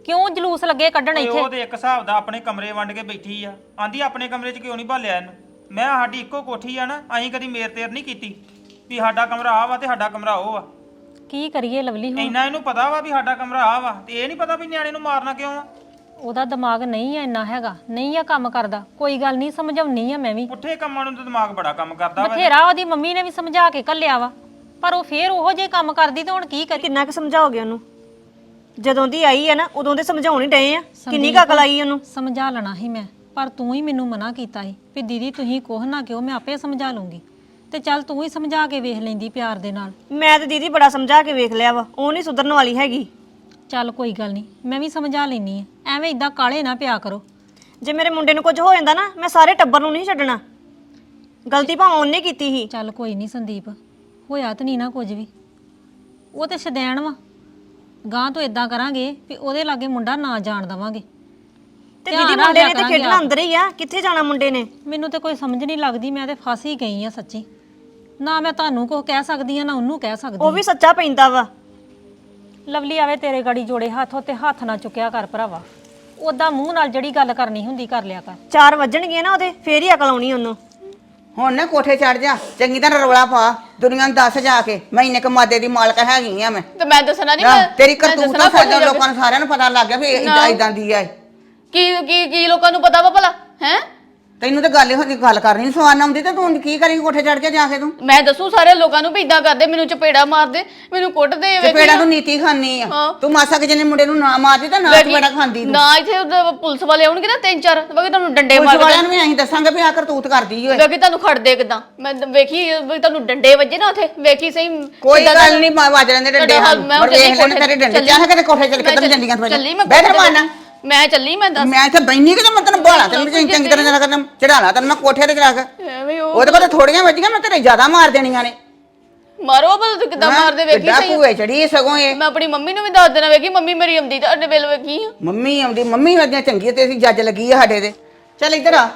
[SPEAKER 2] ਕਿਉਂ ਜਲੂਸ ਲੱਗੇ ਕੱਢਣ
[SPEAKER 4] ਓਏ
[SPEAKER 2] ਇੱਥੇ?
[SPEAKER 4] ਉਹ ਤੇ ਇੱਕ ਹਿਸਾਬ ਦਾ ਆਪਣੇ ਕਮਰੇ ਵੰਡ ਕੇ ਬੈਠੀ ਆ, ਆਂਦੀ ਆਪਣੇ ਕਮਰੇ 'ਚ ਕਿਉਂ ਨਹੀਂ ਭਾਲਿਆ ਇਹਨੂੰ। ਮੈਂ ਸਾਡੀ ਇੱਕੋ ਕੋਠੀ ਆ ਨਾ, ਅਸੀਂ ਕਦੀ ਮੇਰ ਤੇਰ ਨਹੀਂ ਕੀਤੀ ਵੀ ਸਾਡਾ ਕਮਰਾ ਆ ਵਾ ਤੇ ਸਾਡਾ ਕਮਰਾ ਉਹ ਆ।
[SPEAKER 2] ਕੀ ਕਰੀਏ ਲਵਲੀ ਹੁਣ?
[SPEAKER 4] ਇੰਨਾ ਇਹਨੂੰ ਪਤਾ ਵਾ ਵੀ ਸਾਡਾ ਕਮਰਾ ਆ ਵਾ, ਤੇ ਇਹ ਨਹੀਂ ਪਤਾ ਵੀ ਨਿਆਣੇ ਨੂੰ ਮਾਰਨਾ ਕਿਉਂ ਆ।
[SPEAKER 2] ਉਹਦਾ ਦਿਮਾਗ ਨਹੀਂ ਆ ਇੰਨਾ ਹੈਗਾ, ਨਹੀਂ ਆ ਕੰਮ ਕਰਦਾ। ਕੋਈ ਗੱਲ ਨਹੀਂ, ਸਮਝਾਉਣੀ ਆ ਮੈਂ ਵੀ।
[SPEAKER 4] ਪੁੱਠੇ ਕੰਮਾਂ ਨੂੰ ਤਾਂ ਦਿਮਾਗ ਬੜਾ ਕੰਮ ਕਰਦਾ ਵਾ।
[SPEAKER 2] ਬਥੇਰਾ ਉਹਦੀ ਮੰਮੀ ਨੇ ਵੀ ਸਮਝਾ ਕੇ ਘੱਲਿਆ ਵਾ, ਪਰ ਉਹ ਫੇਰ ਉਹੋ ਜਿਹੇ ਕੰਮ ਕਰਦੀ ਤੇ ਹੁਣ ਕੀ ਕਰੀ?
[SPEAKER 1] ਕਿੰਨਾ ਕੁ ਸਮਝਾਓਗੇ ਉਹਨੂੰ? ਜਦੋਂ ਦੀ ਆਈ ਹੈ ਨਾ ਉਦੋਂ ਦੇ ਸਮਝਾਉਣ ਹੀ ਡਏ ਆ। ਕਿੰਨੀ ਕੁ ਅਕਲ ਆਈ ਉਹਨੂੰ?
[SPEAKER 2] ਸਮਝਾ ਲੈਣਾ ਸੀ ਮੈਂ, ਪਰ ਤੂੰ ਹੀ ਮੈਨੂੰ ਮਨਾ ਕੀਤਾ ਸੀ ਵੀ ਦੀਦੀ ਤੁਸੀਂ ਕੋਹ ਨਾ ਕਿਉਂ, ਮੈਂ ਆਪੇ ਸਮਝਾ ਲੂੰਗੀ। ਤੇ ਚੱਲ ਤੂੰ ਹੀ ਸਮਝਾ ਕੇ ਵੇਖ ਲੈਂਦੀ ਪਿਆਰ ਦੇ ਨਾਲ।
[SPEAKER 1] ਮੈਂ ਤੇ ਦੀਦੀ ਬੜਾ ਸਮਝਾ ਕੇ ਵੇਖ ਲਿਆ ਵਾ, ਉਹ ਨਹੀਂ ਸੁਧਰਨ ਵਾਲੀ ਹੈਗੀ।
[SPEAKER 2] ਚੱਲ ਕੋਈ ਗੱਲ ਨਹੀਂ, ਮੈਂ ਵੀ ਸਮਝਾ ਲੈਣੀ ਆ। ਐਵੇਂ ਇਦਾਂ ਕਾਲੇ ਨਾ ਪਿਆ ਕਰੋ।
[SPEAKER 1] ਜੇ ਮੇਰੇ ਮੁੰਡੇ ਨੂੰ ਕੁਝ ਹੋ ਜਾਂਦਾ ਨਾ, ਮੈਂ ਸਾਰੇ ਟੱਬਰ ਨੂੰ ਨਹੀਂ ਛੱਡਣਾ। ਗਲਤੀ ਭਾਵੇਂ ਉਹਨੇ ਕੀਤੀ ਸੀ।
[SPEAKER 2] ਚੱਲ ਕੋਈ ਨਹੀਂ ਸੰਦੀਪ, ਹੋਇਆ ਤਾਂ ਨਹੀਂ ਨਾ ਕੁਝ ਵੀ। ਉਹ ਤੇ ਸ਼ਦੈਣ ਵਾ। ਗਾਂ ਤੋਂ ਇਦਾਂ ਕਰਾਂਗੇ ਵੀ ਉਹਦੇ ਲਾਗੇ ਮੁੰਡਾ ਨਾ ਜਾਣ ਦੇਵਾਂਗੇ।
[SPEAKER 1] ਤੇ ਦੀਦੀ ਮੁੰਡੇ ਨੇ ਤੇ ਖੇਡਣਾ ਅੰਦਰ ਹੀ ਆ, ਕਿੱਥੇ ਜਾਣਾ ਮੁੰਡੇ ਨੇ?
[SPEAKER 2] ਮੈਨੂੰ ਤੇ ਕੋਈ ਸਮਝ ਨਹੀਂ ਲੱਗਦੀ, ਮੈਂ ਤੇ ਫਸ ਹੀ ਗਈ ਆ ਸੱਚੀ। ਨਾ ਮੈਂ ਤੁਹਾਨੂੰ ਕੁਝ ਕਹਿ ਸਕਦੀ ਆ, ਨਾ ਉਹਨੂੰ ਕਹਿ ਸਕਦੀ।
[SPEAKER 1] ਉਹ ਵੀ ਸੱਚਾ ਪੈਂਦਾ ਵਾ।
[SPEAKER 2] ਲਵਲੀ ਆਵੇ ਤੇਰੇ ਗਾੜੀ ਜੋੜੇ ਹੱਥ, ਉੱਤੇ ਹੱਥ ਨਾ ਚੁੱਕਿਆ ਕਰ ਭਰਾਵਾ। ਉਦਾਂ ਮੂੰਹ ਨਾਲ ਜਿਹੜੀ ਗੱਲ ਕਰਨੀ ਹੁੰਦੀ ਕਰ ਲਿਆ ਕਰ।
[SPEAKER 1] ਚਾਰ ਵੱਜਣਗੇ ਨਾ ਉਹਦੇ, ਫੇਰ ਹੀ ਅਕਲ ਆਉਣੀ ਉਹਨੂੰ।
[SPEAKER 5] ਹੁਣ ਨਾ ਕੋਠੇ ਚੜ ਜਾ, ਚੰਗੀ ਤਰ੍ਹਾਂ ਰੌਲਾ ਪਾ, ਦੁਨੀਆ ਨੂੰ ਦੱਸ ਜਾ ਕੇ ਮੈਂ ਇੰਨੇ ਕਮਾਦੇ ਦੀ ਮਾਲਕ ਹੈਗੀ ਆ ਮੈਂ।
[SPEAKER 3] ਤੇ ਮੈਂ ਦੱਸਣਾ ਨਹੀਂ।
[SPEAKER 5] ਨਾ, ਤੇਰੀ ਕਰਤੂਤ ਤਾਂ ਸਾਡੇ ਲੋਕਾਂ ਨੂੰ ਸਾਰਿਆਂ ਨੂੰ ਪਤਾ ਲੱਗ ਗਿਆ ਵੀ ਇਦਾਂ ਇਦਾਂ ਦੀ ਆ।
[SPEAKER 3] ਕੀ ਕੀ ਕੀ ਲੋਕਾਂ ਨੂੰ ਪਤਾ ਵਾ ਭਲਾ ਹੈ?
[SPEAKER 5] ਤੈਨੂੰ ਤਾਂ ਗੱਲ ਇਹੋ ਜਿਹੀ ਗੱਲ ਕਰਨੀ ਸਵਾਨ ਆਉਂਦੀ ਤੇ ਤੂੰ ਕੀ ਕਰੇਂਗੀ ਕੋਠੇ ਚੜ ਕੇ ਜਾ ਕੇ? ਤੂੰ
[SPEAKER 3] ਮੈਂ ਦੱਸੂ ਸਾਰੇ ਲੋਕਾਂ ਨੂੰ ਵੀ ਇਦਾਂ ਕਰਦੇ, ਮੈਨੂੰ ਚਪੇੜਾ ਮਾਰਦੇ, ਮੈਨੂੰ ਕੁੱਟਦੇ।
[SPEAKER 5] ਚਪੇੜਾ ਤੂੰ ਨੀਤੀ ਖਾਨੀ ਆ। ਤੂੰ ਮਾਸਾ ਕਿ ਜਿਹਨੇ ਮੁੰਡੇ ਨੂੰ ਨਾ ਮਾਰਦੀ ਤਾਂ ਨਾ ਚਪੇੜਾ ਖਾਂਦੀ ਤੂੰ।
[SPEAKER 3] ਨਾ ਇੱਥੇ ਉਹਦੇ ਪੁਲਿਸ ਵਾਲੇ ਆਉਣਗੇ ਨਾ ਤਿੰਨ ਚਾਰ, ਵੇਖੀ ਤੁਹਾਨੂੰ ਡੰਡੇ ਮਾਰ
[SPEAKER 5] ਪੁਲਿਸ ਵਾਲਿਆਂ ਨੂੰ ਵੀ ਅਸੀਂ ਦੱਸਾਂਗੇ ਵੀ ਆ ਕਰਤੂਤ ਕਰਦੀ ਓਏ।
[SPEAKER 3] ਵੇਖੀ ਤੁਹਾਨੂੰ ਖੜਦੇ ਕਿਦਾਂ। ਮੈਂ ਵੇਖੀ ਵੀ ਤੁਹਾਨੂੰ ਡੰਡੇ ਵੱਜੇ ਨਾ ਉੱਥੇ, ਵੇਖੀ ਸਹੀ।
[SPEAKER 5] ਕੋਈ ਗੱਲ ਨਹੀਂ, ਵੱਜ ਲੈਂਦੇ ਡੰਡੇ ਹਨ, ਪਰ ਵੇਖ ਲੈਣੇ ਤੇਰੇ ਡੰਡੇ। ਜਾ ਕੇ ਕੋਠੇ ਚੜ ਕੇ ਤੈਨੂੰ ਜੰਡੀਆਂ ਤੋਂ
[SPEAKER 3] ਚੱਲੀ ਮੈਂ
[SPEAKER 5] ਬੈਠ ਮਾਰਨਾ।
[SPEAKER 3] ਮੈਂ ਚੱਲੀ ਮੈਂ ਦੱਸ।
[SPEAKER 5] ਮੈਂ ਇੱਥੇ ਬੈਣੀ ਕਿ ਮੈਂ ਤੈਨੂੰ ਬਾਲਾ ਤੈਨੂੰ ਚੰਗੀ ਤਰ੍ਹਾਂ ਜਰਾ ਕਰਨਾ ਚੜਾਲਾ ਤੈਨੂੰ ਮੈਂ ਕੋਠੇ ਤੇ ਚੜਾ ਕੇ।
[SPEAKER 3] ਐਵੇਂ ਉਹ
[SPEAKER 5] ਉਹਦੇ ਕੋਲ ਥੋੜੀਆਂ ਵੱਜੀਆਂ, ਮੈਂ ਤੇਰੇ ਜ਼ਿਆਦਾ ਮਾਰ ਦੇਣੀਆਂ ਨੇ।
[SPEAKER 3] ਮਾਰੋ ਬਲ ਤੂੰ ਕਿਦਾਂ ਮਾਰਦੇ ਵੇਖੀ
[SPEAKER 5] ਕਿੱਦਾਂ
[SPEAKER 3] ਸਹੀ।
[SPEAKER 5] ਭੂਏ ਚੜੀ ਸਗੋਂ ਇਹ।
[SPEAKER 3] ਮੈਂ ਆਪਣੀ ਮੰਮੀ ਨੂੰ ਵੀ ਦੱਸ ਦੇਣਾ, ਵੇਖੀ ਮੰਮੀ ਮੇਰੀ ਆਉਂਦੀ ਤਾਂ ਅੱਡੇ ਵੇਲ ਵੇਖੀ।
[SPEAKER 5] ਮੰਮੀ ਆਉਂਦੀ, ਮੰਮੀ ਵਰਗੀਆਂ ਚੰਗੀ ਤੇ ਅਸੀਂ ਜੱਜ ਲੱਗੀ ਆ ਸਾਡੇ ਤੇ। ਚੱਲ ਇੱਧਰ ਆ।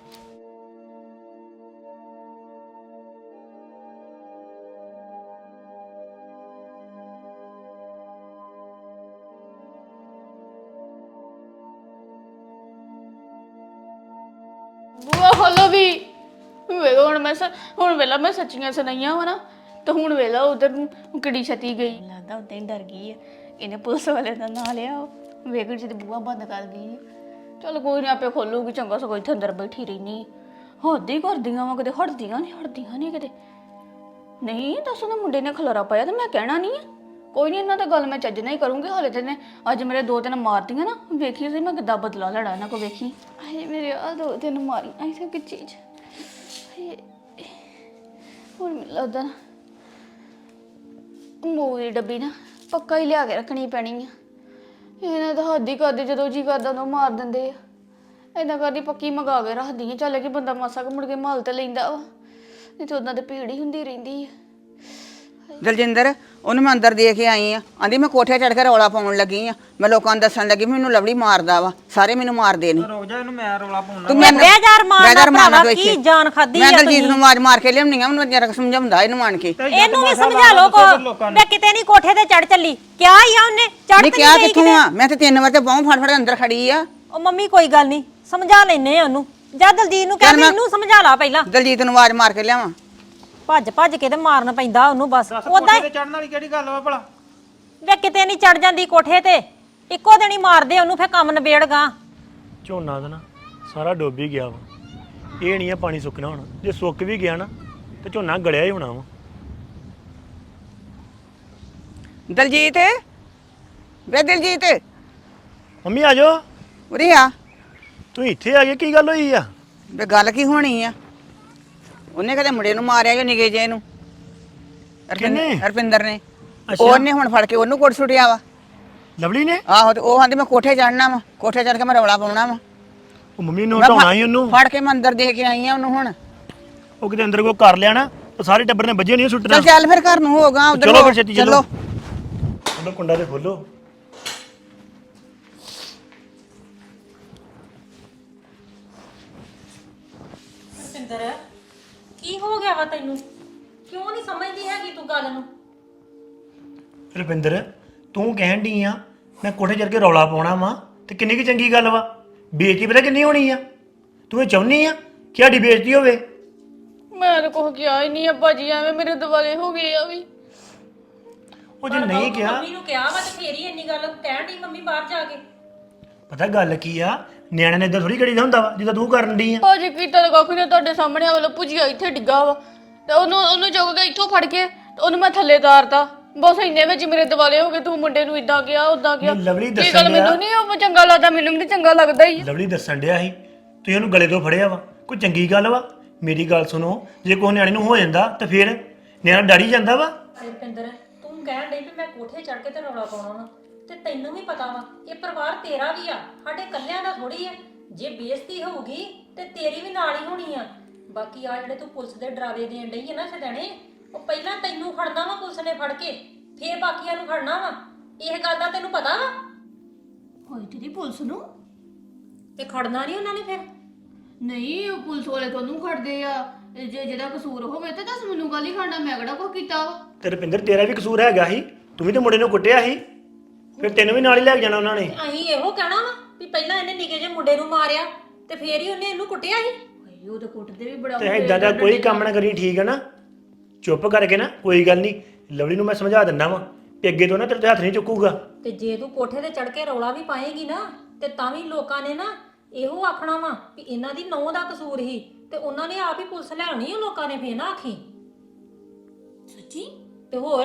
[SPEAKER 3] ਬੂਆ ਖੋਲੋ ਵੀ। ਵੇਖੋ ਹੁਣ ਮੈਂ ਸ- ਹੁਣ ਵੇਲਾ ਮੈਂ ਸੱਚੀਆਂ ਸੁਣਾਈਆਂ ਵਾ ਨਾ, ਤੇ ਹੁਣ ਵੇਲਾ ਉਧਰ ਨੂੰ ਕਿੱਡੀ ਛਤੀ ਗਈ। ਲੱਗਦਾ ਉਦਾਂ ਹੀ ਡਰ ਗਈ ਆ, ਇਹਨੇ ਪੁਲਿਸ ਵਾਲੇ ਦਾ ਨਾਂ ਲਿਆ। ਵੇਖ ਜੀ ਤੇ ਬੂਆ ਬੰਦ ਕਰ ਗਈ। ਚਲ ਕੋਈ ਨਹੀਂ, ਆਪੇ ਖੋਲੂਗੀ। ਚੰਗਾ ਸਗੋਂ ਇੱਥੇ ਅੰਦਰ ਬੈਠੀ ਰਹਿਨੀ। ਹੱਦ ਹੀ ਕਰਦੀਆਂ ਵਾ, ਕਦੇ ਹਟਦੀਆਂ ਨਹੀਂ ਹਟਦੀਆਂ ਨਹੀਂ ਕਦੇ। ਨਹੀਂ ਦੱਸ, ਉਹਨੇ ਮੁੰਡੇ ਨੇ ਖਲਾਰਾ ਪਾਇਆ ਤੇ ਮੈਂ ਕਹਿਣਾ ਨਹੀਂ। ਕੋਈ ਨਹੀਂ, ਇਹਨਾਂ ਦਾ ਗੱਲ ਮੈਂ ਚੱਜ ਨਾਲ ਹੀ ਕਰੂੰਗੀ। ਹਾਲੇ ਤੇ ਨੇ ਅੱਜ ਮੇਰੇ ਦੋ ਤਿੰਨ ਮਾਰਦੀਆਂ ਨਾ, ਵੇਖੀ ਸੀ ਮੈਂ ਕਿੱਦਾਂ ਬਦਲਾ ਲੈਣਾ ਇਹਨਾਂ ਕੋ। ਵੇਖੀ ਆਏ ਮੇਰੇ ਆ ਦੋ ਤਿੰਨ ਮਾਰੀ ਐਸੀ ਕਿ ਚੀਜ਼। ਹੁਣ ਮੈਨੂੰ ਲੱਗਦਾ ਮੂੰਹ ਦੀ ਡੱਬੀ ਨਾ ਪੱਕਾ ਹੀ ਲਿਆ ਕੇ ਰੱਖਣੀ ਪੈਣੀ ਆ। ਇਹਨਾਂ ਦਾ ਹੱਦ ਹੀ ਕਰਦੇ, ਜਦੋਂ ਜੀ ਕਰਦਾ ਉਦੋਂ ਮਾਰ ਦਿੰਦੇ ਆ। ਏਦਾਂ ਕਰਦੀ ਪੱਕੀ ਮੰਗਾ ਕੇ ਰੱਖਦੀ ਆ। ਚੱਲ ਕਿ ਬੰਦਾ ਮਾਸਾ ਕੁ ਮੁੜ ਕੇ ਮਾਲ ਤੇ ਲੈਂਦਾ ਵਾ, ਨਹੀਂ ਤੇ ਉਹਨਾਂ ਤੇ ਭੀੜ ਹੀ ਹੁੰਦੀ ਰਹਿੰਦੀ ਆ।
[SPEAKER 5] ਦਲਜਿੰਦਰ, ਉਹਨੂੰ ਮੈਂ ਅੰਦਰ ਦੇ ਕੇ ਆਈ ਆ। ਆਂਦੀ ਮੈਂ ਕੋਠੇ ਚੜ ਕੇ ਰੌਲਾ ਪਾਉਣ ਲੱਗੀ ਆ। ਮੈਂ ਲੋਕਾਂ ਨੂੰ ਦੱਸਣ ਲੱਗੀ ਮੈਨੂੰ ਲਵਲੀ ਮਾਰਦਾ ਵਾ, ਸਾਰੇ ਮੈਨੂੰ ਮਾਰਦੇ ਨੇ।
[SPEAKER 4] ਰੁਕ ਜਾ, ਇਹਨੂੰ ਮੈਂ ਰੌਲਾ ਪਾਉਣਾ।
[SPEAKER 5] ਤੂੰ ਮੈਨੂੰ
[SPEAKER 2] ਬੇਜ਼ਾਰ ਮਾਰਨਾ
[SPEAKER 5] ਬੇਜ਼ਾਰ ਮਾਰਨਾ
[SPEAKER 2] ਭਰਾਵਾ,
[SPEAKER 5] ਤੂੰ
[SPEAKER 2] ਕੀ
[SPEAKER 5] ਇੱਥੇ।
[SPEAKER 2] ਜਾਨ ਖਾਦੀ
[SPEAKER 5] ਮੈਂ
[SPEAKER 2] ਆ
[SPEAKER 5] ਦਲਜੀਤ
[SPEAKER 2] ਤੁਸੀਂ।
[SPEAKER 5] ਨੂੰ ਆਵਾਜ਼ ਮਾਰ ਕੇ ਲਿਆਉਣੀ ਆ, ਮੈਨੂੰ ਜਰਾ ਸਮਝਾਉਂਦਾ ਇਹਨੂੰ ਆਣ ਕੇ।
[SPEAKER 2] ਇਹਨੂੰ ਵੀ ਸਮਝਾ ਲਓ ਕੋ। ਮੈਂ ਕਿਤੇ ਨਹੀਂ ਕੋਠੇ ਤੇ ਚੜ ਚੱਲੀ। ਕਿਆ ਹੀ ਆ ਉਹਨੇ ਚੜ
[SPEAKER 5] ਨਹੀਂ
[SPEAKER 2] ਤੇ
[SPEAKER 5] ਕਿਹਾ
[SPEAKER 2] ਨਹੀਂ
[SPEAKER 5] ਕਿੱਥੋਂ ਆ? ਮੈਂ ਤੇ ਤਿੰਨ ਵਾਰ ਤੇ ਬਾਹੋਂ ਫੜ ਫੜ ਅੰਦਰ ਖੜੀ ਆ।
[SPEAKER 2] ਉਹ ਮੰਮੀ ਕੋਈ ਗੱਲ ਨਹੀਂ, ਸਮਝਾ ਲੈਨੇ ਆ ਉਹਨੂੰ। ਜਾਂ ਦਲਜੀਤ ਨੂੰ ਕਹਿ
[SPEAKER 5] ਚੱਲ ਮੈਂ-
[SPEAKER 2] ਮੈਨੂੰ ਸਮਝਾ ਲਾ ਪਹਿਲਾਂ।
[SPEAKER 5] ਦਲਜੀਤ ਨੂੰ ਆਵਾਜ਼ ਮਾਰ ਕੇ ਲਿਆਵਾਂ।
[SPEAKER 2] ਭੱਜ ਭੱਜ ਕੇ ਤੇ ਮਾਰਨ ਪੈਂਦਾ ਉਹਨੂੰ ਬਸ।
[SPEAKER 4] ਦੱਸ
[SPEAKER 2] ਉਦਾਂ
[SPEAKER 4] ਕੋਠੇ ਤੇ ਚੜਨ ਵਾਲੀ ਕਿਹੜੀ ਗੱਲ ਵਾ ਭਲਾ?
[SPEAKER 2] ਵੇ ਕਿਤੇ ਨਹੀਂ ਚੜ ਜਾਂਦੀ ਕੋਠੇ ਤੇ, ਇੱਕੋ ਦਿਨ ਹੀ ਮਾਰਦੇ ਉਹਨੂੰ, ਫੇਰ ਕੰਮ ਨਿਬੇੜਗਾ।
[SPEAKER 6] ਝੋਨਾ ਦਾ ਨਾ ਸਾਰਾ ਡੁੱਬ ਹੀ ਗਿਆ ਵਾ। ਇਹ ਨਹੀਂ ਆ ਪਾਣੀ ਸੁੱਕਣਾ ਹੁਣ। ਜੇ ਸੁੱਕ ਵੀ ਗਿਆ ਨਾ ਤੇ ਝੋਨਾ ਗਲਿਆ ਹੀ ਹੋਣਾ ਵਾ।
[SPEAKER 5] ਦਲਜੀਤ, ਵੇ ਦਲਜੀਤ,
[SPEAKER 6] ਮੰਮੀ ਆ ਜਾਓ।
[SPEAKER 5] ਉਰੇ ਆ।
[SPEAKER 6] ਤੂੰ ਇੱਥੇ ਆ ਗਏ, ਕੀ ਗੱਲ ਹੋਈ ਆ?
[SPEAKER 5] ਵੇ ਗੱਲ ਕੀ ਹੋਣੀ ਆ? ਉਹਨੇ ਕਦੇ ਮੁੰਡੇ ਨੂੰ ਮਾਰਿਆ ਜੋ ਨਿਗੇ ਜੇ ਨੂੰ,
[SPEAKER 6] ਕਿਹਨੇ?
[SPEAKER 5] ਹਰਪਿੰਦਰ ਨੇ।
[SPEAKER 6] ਅੱਛਾ।
[SPEAKER 5] ਉਹਨੇ ਹੁਣ ਫੜ ਕੇ ਉਹਨੂੰ ਕੋਟ ਸੁੱਟਿਆ ਵਾ।
[SPEAKER 6] ਲਵਲੀ ਨੇ?
[SPEAKER 5] ਆਹੋ, ਤੇ ਉਹ ਆਂਦੀ ਮੈਂ ਕੋਠੇ ਚੜਨਾ ਵਾ, ਕੋਠੇ ਚੜ ਕੇ ਮੈਂ ਰੌਲਾ ਪਾਉਣਾ ਵਾ।
[SPEAKER 6] ਉਹ ਮੰਮੀ ਨੂੰ
[SPEAKER 5] ਮੈਂ
[SPEAKER 6] ਹਟਾਉਣਾ ਹੀ ਉਹਨੂੰ।
[SPEAKER 5] ਫੜ ਕੇ ਮੈਂ ਅੰਦਰ ਦੇ ਕੇ ਆਈ ਆ ਉਹਨੂੰ। ਹੁਣ
[SPEAKER 6] ਉਹ ਕਿਤੇ ਅੰਦਰ ਕੋ ਕਰ ਲਿਆ ਨਾ, ਉਹ ਸਾਰੇ ਟੱਬਰ ਨੇ ਵੱਜੇ ਨਹੀਂ ਸੁੱਟਣਾ।
[SPEAKER 5] ਚੱਲ ਚੱਲ ਫਿਰ ਘਰ ਨੂੰ ਹੋਗਾ ਉਧਰ।
[SPEAKER 6] ਚਲੋ ਫਿਰ ਛੇਤੀ
[SPEAKER 5] ਚਲੋ।
[SPEAKER 6] ਚਲੋ ਕੁੰਡਾ ਤੇ ਖੋਲੋ।
[SPEAKER 2] ਰੁਪਿੰਦਰ, ਕੀ ਹੋ ਗਿਆ ਵਾ ਤੈਨੂੰ? ਕਿਉਂ ਨਹੀਂ ਸਮਝਦੀ ਹੈਗੀ ਤੂੰ ਗੱਲ ਨੂੰ?
[SPEAKER 6] ਰੁਪਿੰਦਰ, ਤੂੰ ਕਹਿਣ ਡਈ ਆ ਮੈਂ ਕੋਠੇ ਚੜ ਕੇ ਰੌਲਾ ਪਾਉਣਾ ਵਾ ਤੇ ਕਿੰਨੀ ਕੀ ਚੰਗੀ ਗੱਲ ਵਾ। ਬੇਇੱਜ਼ਤੀ ਪਤਾ ਕਿੰਨੀ ਹੋਣੀ ਆ। ਤੂੰ ਇਹ ਚਾਹੁੰਦੀ ਆ ਕਿ ਸਾਡੀ ਬੇਇੱਜ਼ਤੀ ਹੋਵੇ?
[SPEAKER 3] ਮੈਂ ਤਾਂ ਕੁਛ ਕਿਹਾ ਹੀ ਨਹੀਂ ਅੱਬਾ ਜੀ, ਐਵੇਂ ਮੇਰੇ ਦਿਵਾਲੇ ਹੋ ਗਏ ਆ ਵੀ।
[SPEAKER 6] ਉਹ ਜੇ ਨਹੀਂ ਕਿਹਾ,
[SPEAKER 2] ਮੰਮੀ ਨੂੰ ਕਿਹਾ ਵਾ ਤੇ ਫੇਰ ਹੀ ਇੰਨੀ ਗੱਲ ਕਹਿਣ ਦੀ ਮੰਮੀ ਬਾਹਰ ਜਾ ਕੇ।
[SPEAKER 6] ਪਤਾ ਗੱਲ ਕੀ ਆ, ਨਿਆਣੇ ਨੇ ਇਦਾਂ ਥੋੜੀ ਕਰੀਦਾ ਹੁੰਦਾ ਵਾ ਜਿੱਦਾਂ ਤੂੰ ਕਰਨ ਡਈ ਆ।
[SPEAKER 3] ਭਾਜੀ ਕੀਤਾ ਤਾਂ ਕੱਖ ਨਹੀਂ, ਤੁਹਾਡੇ ਸਾਹਮਣੇ ਆ ਵਾਲਾ ਭੁਜੀਆ ਇੱਥੇ ਡਿੱਗਾ ਵਾ ਤੇ ਉਹਨੂੰ ਉਹਨੂੰ ਚੁੱਕ ਕੇ ਇੱਥੋਂ ਫੜ ਕੇ ਤੇ ਉਹਨੂੰ ਮੈਂ ਥੱਲੇ ਤਾਰਤਾ। ਬਸ ਇੰਨੇ ਵਿੱਚ ਮੇਰੇ ਦਿਵਾਲੇ ਹੋ ਗਏ, ਤੂੰ ਮੁੰਡੇ ਨੂੰ ਇਦਾਂ ਕਿਹਾ ਉਦਾਂ ਕਿਹਾ।
[SPEAKER 6] ਨਹੀਂ, ਲਵਲੀ
[SPEAKER 3] ਕੀ
[SPEAKER 6] ਦੱਸਣ
[SPEAKER 3] ਗੱਲ
[SPEAKER 6] ਡਿਆ।
[SPEAKER 3] ਮੈਨੂੰ ਨਹੀਂ ਉਹ ਚੰਗਾ ਲੱਗਦਾ, ਮੈਨੂੰ ਵੀ ਨੀ ਚੰਗਾ ਲੱਗਦਾ ਹੀ।
[SPEAKER 6] ਲਵਲੀ ਦੱਸਣ ਡਿਆ ਸੀ ਤੁਸੀਂ ਉਹਨੂੰ ਗਲੇ ਤੋਂ ਫੜਿਆ ਵਾ, ਕੋਈ ਚੰਗੀ ਗੱਲ ਵਾ? ਮੇਰੀ ਗੱਲ ਸੁਣੋ, ਜੇ ਕੋਈ ਨਿਆਣੇ ਨੂੰ ਹੋ ਜਾਂਦਾ ਤਾਂ ਫਿਰ ਨਿਆਣਾ ਡਰ ਜਾਂਦਾ ਵਾ।
[SPEAKER 2] ਰੁਪਿੰਦਰ, ਤੂੰ ਕਹਿਣ ਡਈ ਵੀ ਮੈਂ ਕੋਠੇ ਚੜ ਕੇ ਤੇ ਰੌਲਾ ਪਾਉਣਾ ਵਾ, ਤੇ ਤੈਨੂੰ ਵੀ ਪਤਾ ਵਾ ਇਹ ਪਰਿਵਾਰ ਤੇਰਾ ਵੀ ਆ, ਸਾਡੇ ਇਕੱਲਿਆਂ ਦਾ ਥੋੜੀ ਆ। ਜੇ ਬੇਇੱਜ਼ਤੀ ਹੋਊਗੀ ਤੇ ਤੇਰੀ ਵੀ ਨਾਲ ਹੀ ਹੋਣੀ ਆ। ਬਾਕੀ ਆ ਜਿਹੜੇ ਤੂੰ ਪੁਲਿਸ ਦੇ ਡਰਾਵੇ ਦੇਣ ਡਈ ਆ ਨਾ ਛਦਣੇ, ਉਹ ਪਹਿਲਾਂ ਤੈਨੂੰ ਖੜਨਾ ਵਾ ਪੁਲਿਸ ਨੇ ਫੜ ਕੇ, ਫੇਰ ਬਾਕੀਆਂ ਨੂੰ ਖੜਨਾ ਵਾ। ਇਹ ਗੱਲ ਦਾ ਤੈਨੂੰ ਪਤਾ ਵਾ?
[SPEAKER 3] ਹੋਈ ਤੇਰੀ ਪੁਲਿਸ ਨੂੰ
[SPEAKER 2] ਤੇ ਖੜਨਾ ਨਹੀਂ ਉਹਨਾਂ ਨੇ ਫਿਰ।
[SPEAKER 3] ਨਹੀਂ, ਉਹ ਪੁਲਿਸ ਵਾਲੇ ਤੁਹਾਨੂੰ ਖੜਦੇ ਆ। ਜੇ ਜਿਹਦਾ ਕਸੂਰ ਹੋਵੇ ਤੇ ਦੱਸ ਮੈਨੂੰ ਗੱਲ ਹੀ ਖੜਨਾ, ਮੈਂ ਕਿਹੜਾ ਕੁਛ ਕੀਤਾ ਵਾ।
[SPEAKER 6] ਤੇ ਰੁਪਿੰਦਰ ਤੇਰਾ ਵੀ ਕਸੂਰ ਹੈਗਾ ਸੀ, ਤੂੰ ਵੀ ਤੇ ਮੁੰਡੇ ਨੂੰ ਕੁੱਟਿਆ ਸੀ, ਫਿਰ ਤੈਨੂੰ ਵੀ ਨਾਲ ਹੀ ਲੈ ਕੇ ਜਾਣਾ ਉਹਨਾਂ ਨੇ।
[SPEAKER 2] ਅਸੀਂ ਇਹੋ ਕਹਿਣਾ ਵਾ ਵੀ ਪਹਿਲਾਂ ਇਹਨੇ ਨਿੱਕੇ ਜਿਹੇ ਮੁੰਡੇ ਨੂੰ ਮਾਰਿਆ ਤੇ ਫੇਰ ਹੀ ਉਹਨੇ ਇਹਨੂੰ ਕੁੱਟਿਆ ਸੀ।
[SPEAKER 3] ਭਾਈ ਉਹ ਤਾਂ ਕੁੱਟਦੇ ਵੀ ਬੜਾ
[SPEAKER 6] ਤੇ ਇਦਾਂ ਦਾ ਕੋਈ ਕੰਮ ਨਾ ਕਰੀ, ਠੀਕ ਹੈ ਨਾ? ਚੁੱਪ ਕਰਕੇ ਨਾ, ਕੋਈ ਗੱਲ ਨਹੀਂ। ਲਵਲੀ ਨੂੰ ਮੈਂ ਸਮਝਾ ਦਿੰਦਾ ਵਾ ਕਿ ਅੱਗੇ ਤੋਂ ਨਾ ਤੇਰੇ ਤੇ ਹੱਥ ਨਹੀਂ ਚੁੱਕੂਗਾ।
[SPEAKER 2] ਤੇ ਜੇ ਤੂੰ ਕੋਠੇ ਤੇ ਚੜ ਕੇ ਰੌਲਾ ਵੀ ਪਾਏਗੀ ਨਾ ਤੇ ਤਾਂ ਵੀ ਲੋਕਾਂ ਨੇ ਨਾ ਇਹੋ ਆਖਣਾ ਵਾ ਵੀ ਇਹਨਾਂ ਦੀ ਨੌਂ ਦਾ ਕਸੂਰ ਹੀ, ਤੇ ਉਹਨਾਂ ਨੇ ਆਪ ਹੀ ਪੁਲਿਸ ਲੈ ਆਉਣੀ ਆ ਲੋਕਾਂ ਨੇ, ਫੇਰ ਨਾ ਆਖੀ।
[SPEAKER 3] ਸੱਚੀ?
[SPEAKER 2] ਤੇ ਹੋਰ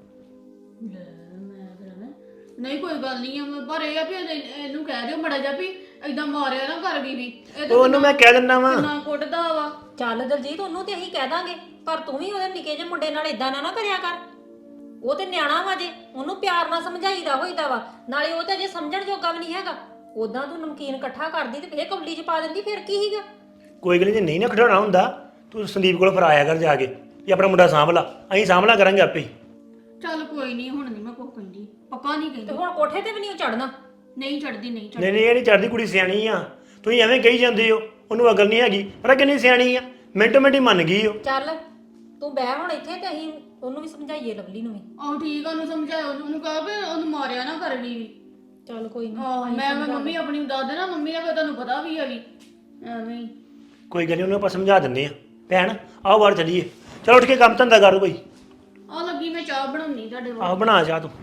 [SPEAKER 3] ਨਹੀਂ ਕੋਈ ਗੱਲ ਨਹੀਂ ਆ, ਮੈਂ ਪਰ ਇਹ ਆ ਵੀ ਇਹਨੇ- ਇਹਨੂੰ ਕਹਿ ਦਿਓ ਮੜਾ ਜਾ ਵੀ ਏਦਾਂ ਮਾਰਿਆ ਨਾ ਕਰ ਵੀ ਵੀ ਇਹ
[SPEAKER 6] ਉਹ ਉਹਨੂੰ ਮੈਂ ਕਹਿ ਦਿੰਦਾ ਵਾ।
[SPEAKER 3] ਨਾ ਕੁੱਟਦਾ ਵਾ।
[SPEAKER 2] ਚੱਲ ਦਲਜੀਤ, ਉਹਨੂੰ ਤੇ ਅਸੀਂ ਕਹਿ ਦਾਂਗੇ, ਪਰ ਤੂੰ ਵੀ ਉਹਦੇ ਨਿੱਕੇ ਜਿਹੇ ਮੁੰਡੇ ਨਾਲ ਇਦਾਂ ਨਾ ਨਾ ਕਰਿਆ ਕਰ। ਉਹ ਤੇ ਨਿਆਣਾ ਵਾ, ਜੇ ਉਹਨੂੰ ਪਿਆਰ ਨਾਲ ਸਮਝਾਈਦਾ ਹੋਈਦਾ ਵਾ, ਨਾਲੇ ਉਹ ਤਾਂ ਜੇ ਸਮਝਣ ਜੋਗਾ ਵੀ ਨਹੀਂ ਹੈਗਾ। ਉਦਾਂ ਤੂੰ ਨਮਕੀਨ ਇਕੱਠਾ ਕਰਦੀ ਤੇ ਫੇਰ ਕੌਲੀ 'ਚ ਪਾ ਦਿੰਦੀ, ਫਿਰ ਕੀ ਸੀਗਾ?
[SPEAKER 6] ਕੋਈ ਗੱਲ ਨਹੀਂ, ਜੇ ਨਹੀਂ ਨਾ ਖਿਡਾਉਣਾ ਹੁੰਦਾ ਤੂੰ ਸੰਦੀਪ ਕੋਲ ਫਿਰ ਆਇਆ ਕਰ ਜਾ ਕੇ ਵੀ ਆਪਣਾ ਮੁੰਡਾ ਸਾਂਭ ਲਾ, ਅਸੀਂ ਸਾਂਭ ਲਾ ਕਰਾਂਗੇ ਆਪੇ ਹੀ।
[SPEAKER 3] ਚੱਲ ਕੋਈ ਨਹੀਂ, ਹੁਣ ਨਹੀਂ ਮੈਂ ਕੁਛ ਕਹਿੰਦੀ, ਪੱਕਾ ਨਹੀਂ
[SPEAKER 2] ਤੇ
[SPEAKER 3] ਕਹਿੰਦੀ।
[SPEAKER 2] ਹੁਣ ਕੋਠੇ ਤੇ ਵੀ ਨਹੀਂ ਚੜਨਾ।
[SPEAKER 3] ਨਹੀਂ ਚੜਦੀ, ਨਹੀਂ ਚੜਦੀ।
[SPEAKER 6] ਨਹੀਂ ਨਹੀਂ, ਇਹ ਨਹੀਂ ਚੜਦੀ, ਕੁੜੀ ਸਿਆਣੀ ਆ। ਤੁਸੀਂ ਐਵੇਂ ਕਹੀ ਜਾਂਦੇ ਹੋ, ਉਹਨੂੰ ਅਕਲ ਨਹੀਂ ਹੈਗੀ, ਪਰ ਕਿੰਨੀ ਸਿਆਣੀ ਆ, ਮਿੰਟੋ ਮਿੰਟ ਹੀ ਮੰਨ ਗਈ ਉਹ।
[SPEAKER 2] ਚੱਲ ਤੂੰ ਬਹਿ ਹੁਣ ਇੱਥੇ ਤੇ ਅਸੀਂ ਉਹਨੂੰ ਵੀ ਸਮਝਾਈਏ, ਲਵਲੀ ਨੂੰ ਵੀ।
[SPEAKER 3] ਆਹ ਠੀਕ ਆ, ਉਹਨੂੰ ਸਮਝਾਇਆ, ਉਹਨੂੰ ਉਹਨੂੰ ਕਹਾ ਵੀ ਉਹਨੂੰ ਮਾਰਿਆ ਨਾ ਕਰ ਵੀ ਵੀ।
[SPEAKER 2] ਚੱਲ ਕੋਈ
[SPEAKER 3] ਆਹ
[SPEAKER 2] ਨਹੀਂ,
[SPEAKER 3] ਮੈਂ ਮੈਂ ਮੰਮੀ ਆਪਣੀ ਨੂੰ ਦੱਸ ਦੇਣਾ, ਮੰਮੀ ਦਾ ਫਿਰ ਤੁਹਾਨੂੰ ਪਤਾ ਵੀ ਆ ਵੀ ਐਵੇਂ ਹੀ।
[SPEAKER 6] ਕੋਈ ਗੱਲ ਨਹੀਂ, ਉਹਨੂੰ ਆਪਾਂ ਸਮਝਾ ਦਿੰਦੇ ਆ। ਭੈਣ ਆਓ ਬਾਹਰ ਚੱਲੀਏ, ਚਲੋ ਉੱਠ ਕੇ ਕੰਮ ਧੰਦਾ ਕਰ ਕੋਈ।
[SPEAKER 3] ਆ ਲੱਗੀ ਮੈਂ ਚਾਹ ਬਣਾਉਣੀ ਤੁਹਾਡੇ ਕੋਲ।
[SPEAKER 6] ਆਹੋ ਬਣਾ ਜਾ ਤੂੰ।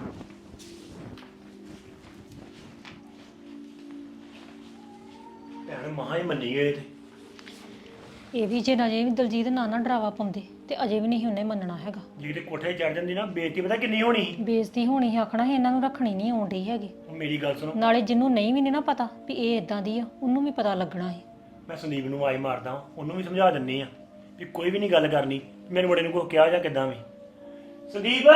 [SPEAKER 6] ਭੈਣ ਮਹਾ ਹੀ ਮੰਨੀ ਗਏ ਤੇ
[SPEAKER 2] ਇਹ ਵੀ ਜੇ ਅਜੇ ਵੀ ਦਲਜੀਤ ਨਾ ਨਾ ਡਰਾਵਾ ਪਾਉਂਦੇ ਤੇ ਅਜੇ ਵੀ ਨਹੀਂ ਉਹਨੇ ਮੰਨਣਾ ਹੈਗਾ।
[SPEAKER 6] ਜੇ ਤੇ ਕੋਠੇ ਚੜ ਜਾਂਦੀ ਨਾ, ਬੇਇੱਜ਼ਤੀ ਪਤਾ ਕਿੰਨੀ ਹੋਣੀ ਸੀ।
[SPEAKER 2] ਬੇਇੱਜ਼ਤੀ ਹੋਣੀ ਸੀ, ਆਖਣਾ ਸੀ ਇਹਨਾਂ ਨੂੰ ਰੱਖਣੀ ਨਹੀਂ ਆਉਂਦੀ ਹੈਗੀ।
[SPEAKER 6] ਹੁਣ ਮੇਰੀ ਗੱਲ ਸੁਣੋ,
[SPEAKER 2] ਨਾਲੇ ਜਿਹਨੂੰ ਨਹੀਂ ਵੀ ਨੀ ਨਾ ਪਤਾ ਵੀ ਇਹ ਇਦਾਂ ਦੀ ਆ, ਉਹਨੂੰ ਵੀ ਪਤਾ ਲੱਗਣਾ ਹੈ।
[SPEAKER 6] ਮੈਂ ਸੰਦੀਪ ਨੂੰ ਆਵਾਜ਼ ਮਾਰਦਾ ਵਾਂ, ਉਹਨੂੰ ਵੀ ਸਮਝਾ ਦਿੰਨੀ ਆ ਵੀ ਕੋਈ ਵੀ ਨਹੀਂ ਗੱਲ ਕਰਨੀ, ਮੇਰੇ ਮੁੰਡੇ ਨੂੰ ਕੁਛ ਕਿਹਾ ਜਾਂ ਕਿੱਦਾਂ ਵੀ। ਸੰਦੀਪ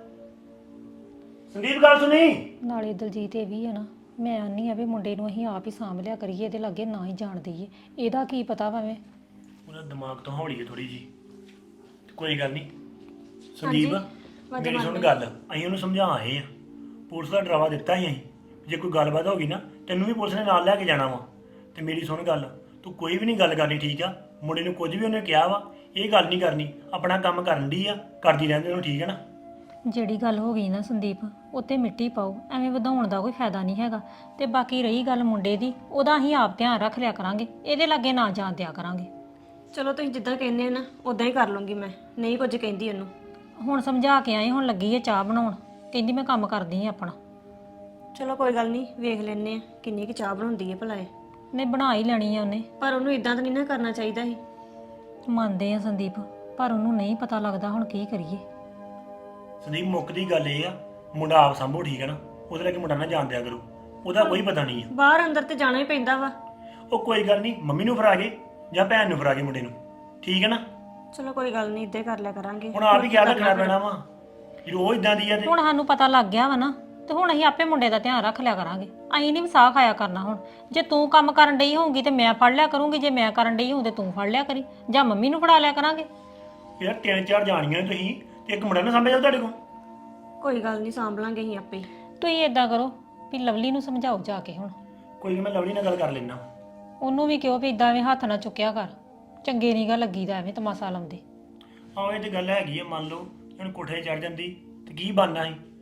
[SPEAKER 6] ਸੰਦੀਪ ਗੱਲ ਸੁਣੀ।
[SPEAKER 2] ਨਾਲੇ ਦਲਜੀਤ ਇਹ ਵੀ ਆ ਨਾ, ਮੈਂ ਆਨੀ ਆ ਵੀ ਮੁੰਡੇ ਨੂੰ ਅਸੀਂ ਆਪ ਹੀ ਸਾਂਭ ਲਿਆ ਕਰੀਏ, ਇਹਦੇ ਲਾਗੇ ਨਾ ਹੀ ਜਾਣ ਦਈਏ। ਇਹਦਾ ਕੀ ਪਤਾ ਭਾਵੇਂ
[SPEAKER 6] ਉਹਦਾ ਦਿਮਾਗ ਤੋਂ ਹੌਲੀ ਹੈ ਥੋੜੀ ਜੀ। ਕੋਈ ਗੱਲ ਨਹੀਂ ਸੰਦੀਪ, ਮੇਰੀ ਸੁਣ ਗੱਲ, ਅਸੀਂ ਉਹਨੂੰ ਸਮਝਾ ਆਏ ਆ, ਪੁਲਿਸ ਦਾ ਡਰਾਵਾ ਦਿੱਤਾ ਹੀ ਅਸੀਂ, ਜੇ ਕੋਈ ਗੱਲਬਾਤ ਹੋ ਗਈ ਨਾ ਤੈਨੂੰ ਵੀ ਪੁਲਿਸ ਨੇ ਨਾਲ ਲੈ ਕੇ ਜਾਣਾ ਵਾ। ਤੇ ਮੇਰੀ ਸੁਣ ਗੱਲ, ਤੂੰ ਕੋਈ ਵੀ ਨਹੀਂ ਗੱਲ ਕਰਨੀ, ਠੀਕ ਆ? ਮੁੰਡੇ ਨੂੰ ਕੁਝ ਵੀ ਉਹਨੇ ਕਿਹਾ ਵਾ, ਇਹ ਗੱਲ ਨਹੀਂ ਕਰਨੀ, ਆਪਣਾ ਕੰਮ ਕਰਨ ਦੀ ਆ, ਕਰਦੀ ਰਹਿੰਦੇ ਉਹਨੂੰ, ਠੀਕ ਹੈ ਨਾ?
[SPEAKER 2] ਜਿਹੜੀ ਗੱਲ ਹੋ ਗਈ ਨਾ ਸੰਦੀਪ, ਉੱਤੇ ਮਿੱਟੀ ਪਾਓ, ਐਵੇਂ ਵਧਾਉਣ ਦਾ ਕੋਈ ਫਾਇਦਾ ਨਹੀਂ ਹੈਗਾ। ਤੇ ਬਾਕੀ ਰਹੀ ਗੱਲ ਮੁੰਡੇ ਦੀ, ਉਹਦਾ ਅਸੀਂ ਆਪ ਧਿਆਨ ਰੱਖ ਲਿਆ ਕਰਾਂਗੇ, ਇਹਦੇ ਲਾਗੇ ਨਾ ਜਾਣ ਦਿਆ ਕਰਾਂਗੇ।
[SPEAKER 1] ਚਲੋ ਤੁਸੀਂ ਜਿੱਦਾਂ ਕਹਿੰਦੇ ਆ ਨਾ ਉਦਾਂ ਹੀ ਕਰ ਲੂੰਗੀ, ਮੈਂ ਨਹੀਂ ਕੁਝ ਕਹਿੰਦੀ ਉਹਨੂੰ।
[SPEAKER 2] ਹੁਣ ਸਮਝਾ ਕੇ ਆਏ, ਹੁਣ ਲੱਗੀ ਹੈ ਚਾਹ ਬਣਾਉਣ, ਕਹਿੰਦੀ ਮੈਂ ਕੰਮ ਕਰਦੀ ਹਾਂ ਆਪਣਾ।
[SPEAKER 1] ਚਲੋ ਕੋਈ ਗੱਲ ਨਹੀਂ, ਵੇਖ ਲੈਨੇ ਆ ਕਿੰਨੀ ਕੁ ਚਾਹ ਬਣਾਉਂਦੀ ਹੈ ਭਲਾ ਇਹ।
[SPEAKER 2] ਨਹੀਂ ਬਣਾ ਹੀ ਲੈਣੀ ਆ ਉਹਨੇ।
[SPEAKER 1] ਪਰ ਉਹਨੂੰ ਇਦਾਂ ਤਾਂ ਨਹੀਂ ਨਾ ਕਰਨਾ ਚਾਹੀਦਾ ਸੀ।
[SPEAKER 2] ਮੰਨਦੇ ਆ ਸੰਦੀਪ, ਪਰ ਉਹਨੂੰ ਨਹੀਂ ਪਤਾ ਲੱਗਦਾ ਹੁਣ ਕੀ ਕਰੀਏ।
[SPEAKER 6] ਸੰਦੀਪ ਮੁੱਕ ਦੀ ਗੱਲ ਇਹ ਆ, ਮੁੰਡਾ ਆਪ ਸੰਭੋ, ਠੀਕ ਹੈ ਨਾ? ਉਹਦੇ ਲੱਗੇ ਮੁੰਡਾ ਨਾ ਜਾਣ ਦਿਆ ਕਰੋ, ਉਹਦਾ ਕੋਈ ਪਤਾ ਨਹੀਂ ਆ।
[SPEAKER 1] ਬਾਹਰ ਅੰਦਰ ਤੇ ਜਾਣਾ ਹੀ ਪੈਂਦਾ ਵਾ।
[SPEAKER 6] ਉਹ ਕੋਈ ਗੱਲ ਨਹੀਂ, ਮੰਮੀ ਨੂੰ ਫੜਾ ਕੇ ਜਾਂ ਭੈਣ ਨੂੰ ਫੜਾ ਕੇ ਮੁੰਡੇ ਨੂੰ, ਠੀਕ ਹੈ ਨਾ?
[SPEAKER 1] ਚਲੋ ਕੋਈ ਗੱਲ ਨਹੀਂ, ਇੱਦਾਂ ਹੀ ਕਰ ਲਿਆ ਕਰਾਂਗੇ।
[SPEAKER 6] ਹੁਣ ਆਪ ਹੀ ਖਿਆਲ ਰੱਖਣਾ ਪੈਣਾ ਵਾ, ਜੇ ਉਹ ਇਦਾਂ ਦੀ ਆ ਤੇ।
[SPEAKER 2] ਹੁਣ ਸਾਨੂੰ ਪਤਾ ਲੱਗ ਗਿਆ ਵਾ ਨਾ, ਤੇ ਹੁਣ ਅਸੀਂ ਆਪੇ ਮੁੰਡੇ ਦਾ ਧਿਆਨ ਰੱਖ ਲਿਆ ਕਰਾਂਗੇ। ਅਸੀਂ ਨਹੀਂ ਵਸਾ ਖਾਇਆ ਕਰਨਾ ਹੁਣ। ਜੇ ਤੂੰ ਕੰਮ ਕਰਨ ਡਈ ਹੋਊਗੀ ਤੇ ਮੈਂ ਫੜ ਲਿਆ ਕਰੂੰਗੀ, ਜੇ ਮੈਂ ਕਰਨ ਡਈ ਹੋਊ ਤੇ ਤੂੰ ਫੜ ਲਿਆ ਕਰੀ, ਜਾਂ ਮੰਮੀ ਨੂੰ ਫੜਾ ਲਿਆ ਕਰਾਂਗੇ।
[SPEAKER 6] ਯਾਰ ਤਿੰਨ ਚਾਰ ਜਾਣੀਆਂ ਤੁਸੀਂ, ਤੇ ਇੱਕ ਮੁੰਡਾ ਨਾ ਸਾਂਭਿਆ ਜਾਊ ਤੁਹਾਡੇ ਕੋਲ।
[SPEAKER 1] ਕੋਈ ਗੱਲ ਨਹੀਂ, ਸਾਂਭ ਲਾਂਗੇ ਅਸੀਂ ਆਪੇ ਹੀ।
[SPEAKER 2] ਤੁਸੀਂ ਏਦਾਂ ਕਰੋ ਵੀ ਲਵਲੀ ਨੂੰ ਸਮਝਾਓ ਜਾ ਕੇ ਹੁਣ।
[SPEAKER 6] ਕੋਈ ਨਹੀਂ, ਮੈਂ ਲਵਲੀ ਨਾਲ ਗੱਲ ਕਰ ਲੈਣਾ।
[SPEAKER 2] ਉਹਨੂੰ ਵੀ ਕਿਉਂ ਵੀ ਇਦਾਂ ਐਵੇਂ ਹੱਥ ਨਾ ਚੁੱਕਿਆ ਕਰ, ਚੰਗੇ ਨੀਗਾ ਲੱਗੀਦਾ ਐਵੇਂ ਤਮਾਸ਼ਾ ਲਾਉਂਦੇ।
[SPEAKER 6] ਆਹ ਇਹ ਤੇ ਗੱਲ ਹੈਗੀ ਆ, ਮੰਨ ਲਓ ਹੁਣ ਕੋਠੇ ਚੜ ਜਾਂਦੀ ਤੇ ਕੀ ਬਣਨਾ ਸੀ?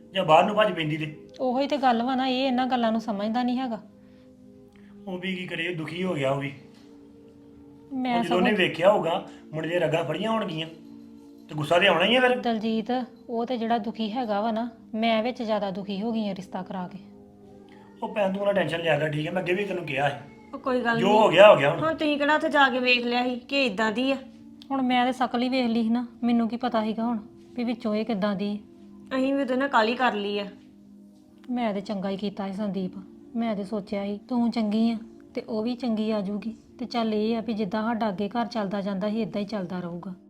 [SPEAKER 6] ਜਾਂ ਬਾਹਰ ਨੂੰ ਭੱਜ ਪੈਂਦੀ ਤੇ
[SPEAKER 2] ਉਹੀ ਤੇ ਗੱਲ ਵਾ ਨਾ, ਇਹ ਇਹਨਾਂ ਗੱਲਾਂ ਨੂੰ ਸਮਝਦਾ ਨਹੀਂ ਹੈਗਾ।
[SPEAKER 6] ਉਹ ਵੀ ਕੀ ਕਰੇ, ਦੁਖੀ ਹੋ ਗਿਆ ਉਹ ਵੀ।
[SPEAKER 2] ਮੈਂ
[SPEAKER 6] ਉਹ ਜਦੋਂ ਉਹਨੇ ਵੇਖਿਆ ਹੋਊਗਾ ਮੁੰਡੇ ਦੀਆਂ ਰਗਾਂ ਫੜੀਆਂ ਹੋਣਗੀਆਂ ਤੇ ਗੁੱਸਾ ਤੇ ਆਉਣਾ ਹੀ ਆ ਫਿਰ।
[SPEAKER 2] ਦਲਜੀਤ, ਉਹ ਤੇ ਜਿਹੜਾ ਦੁਖੀ ਹੈਗਾ ਵਾ ਨਾ, ਮੈਂ ਵਿੱਚ ਜ਼ਿਆਦਾ ਦੁਖੀ ਹੋ ਗਈ ਆ ਰਿਸ਼ਤਾ ਕਰਾ ਕੇ।
[SPEAKER 6] ਉਹ ਭੈਣ ਤੂੰ ਨਾ ਟੈਨਸ਼ਨ ਲਿਆ ਕਰ, ਠੀਕ ਹੈ? ਮੈਂ ਅੱਗੇ ਵੀ ਤੈਨੂੰ ਕਿਹਾ ਸੀ,
[SPEAKER 1] ਉਹ ਕੋਈ ਗੱਲ
[SPEAKER 6] ਜੋ
[SPEAKER 1] ਨਹੀਂ।
[SPEAKER 6] ਹੋ ਗਿਆ ਹੋ ਗਿਆ ਹੁਣ।
[SPEAKER 1] ਹੁਣ ਤੁਸੀਂ ਕਿਹੜਾ ਉੱਥੇ ਜਾ ਕੇ ਵੇਖ ਲਿਆ ਸੀ ਕਿ ਇਦਾਂ ਦੀ ਆ?
[SPEAKER 2] ਹੁਣ ਮੈਂ ਤੇ ਸ਼ਕਲ ਹੀ ਵੇਖ ਲਈ ਸੀ ਨਾ, ਮੈਨੂੰ ਕੀ ਪਤਾ ਸੀਗਾ ਹੁਣ ਵੀ ਵਿੱਚੋਂ ਇਹ ਕਿੱਦਾਂ ਦੀ ਹੈ।
[SPEAKER 1] ਅਸੀਂ ਵੀ ਉਹਦੇ ਨਾਲ ਕਾਲੀ ਕਰ ਲਈ ਆ।
[SPEAKER 2] ਮੈਂ ਤੇ ਚੰਗਾ ਹੀ ਕੀਤਾ ਸੀ ਸੰਦੀਪ, ਮੈਂ ਤੇ ਸੋਚਿਆ ਸੀ ਤੂੰ ਚੰਗੀ ਆ ਤੇ ਉਹ ਵੀ ਚੰਗੀ ਆ ਜੂਗੀ, ਤੇ ਚੱਲ ਇਹ ਆ ਵੀ ਜਿੱਦਾਂ ਸਾਡਾ ਅੱਗੇ ਘਰ ਚੱਲਦਾ ਜਾਂਦਾ ਸੀ ਇਦਾਂ ਹੀ ਚੱਲਦਾ ਰਹੂਗਾ।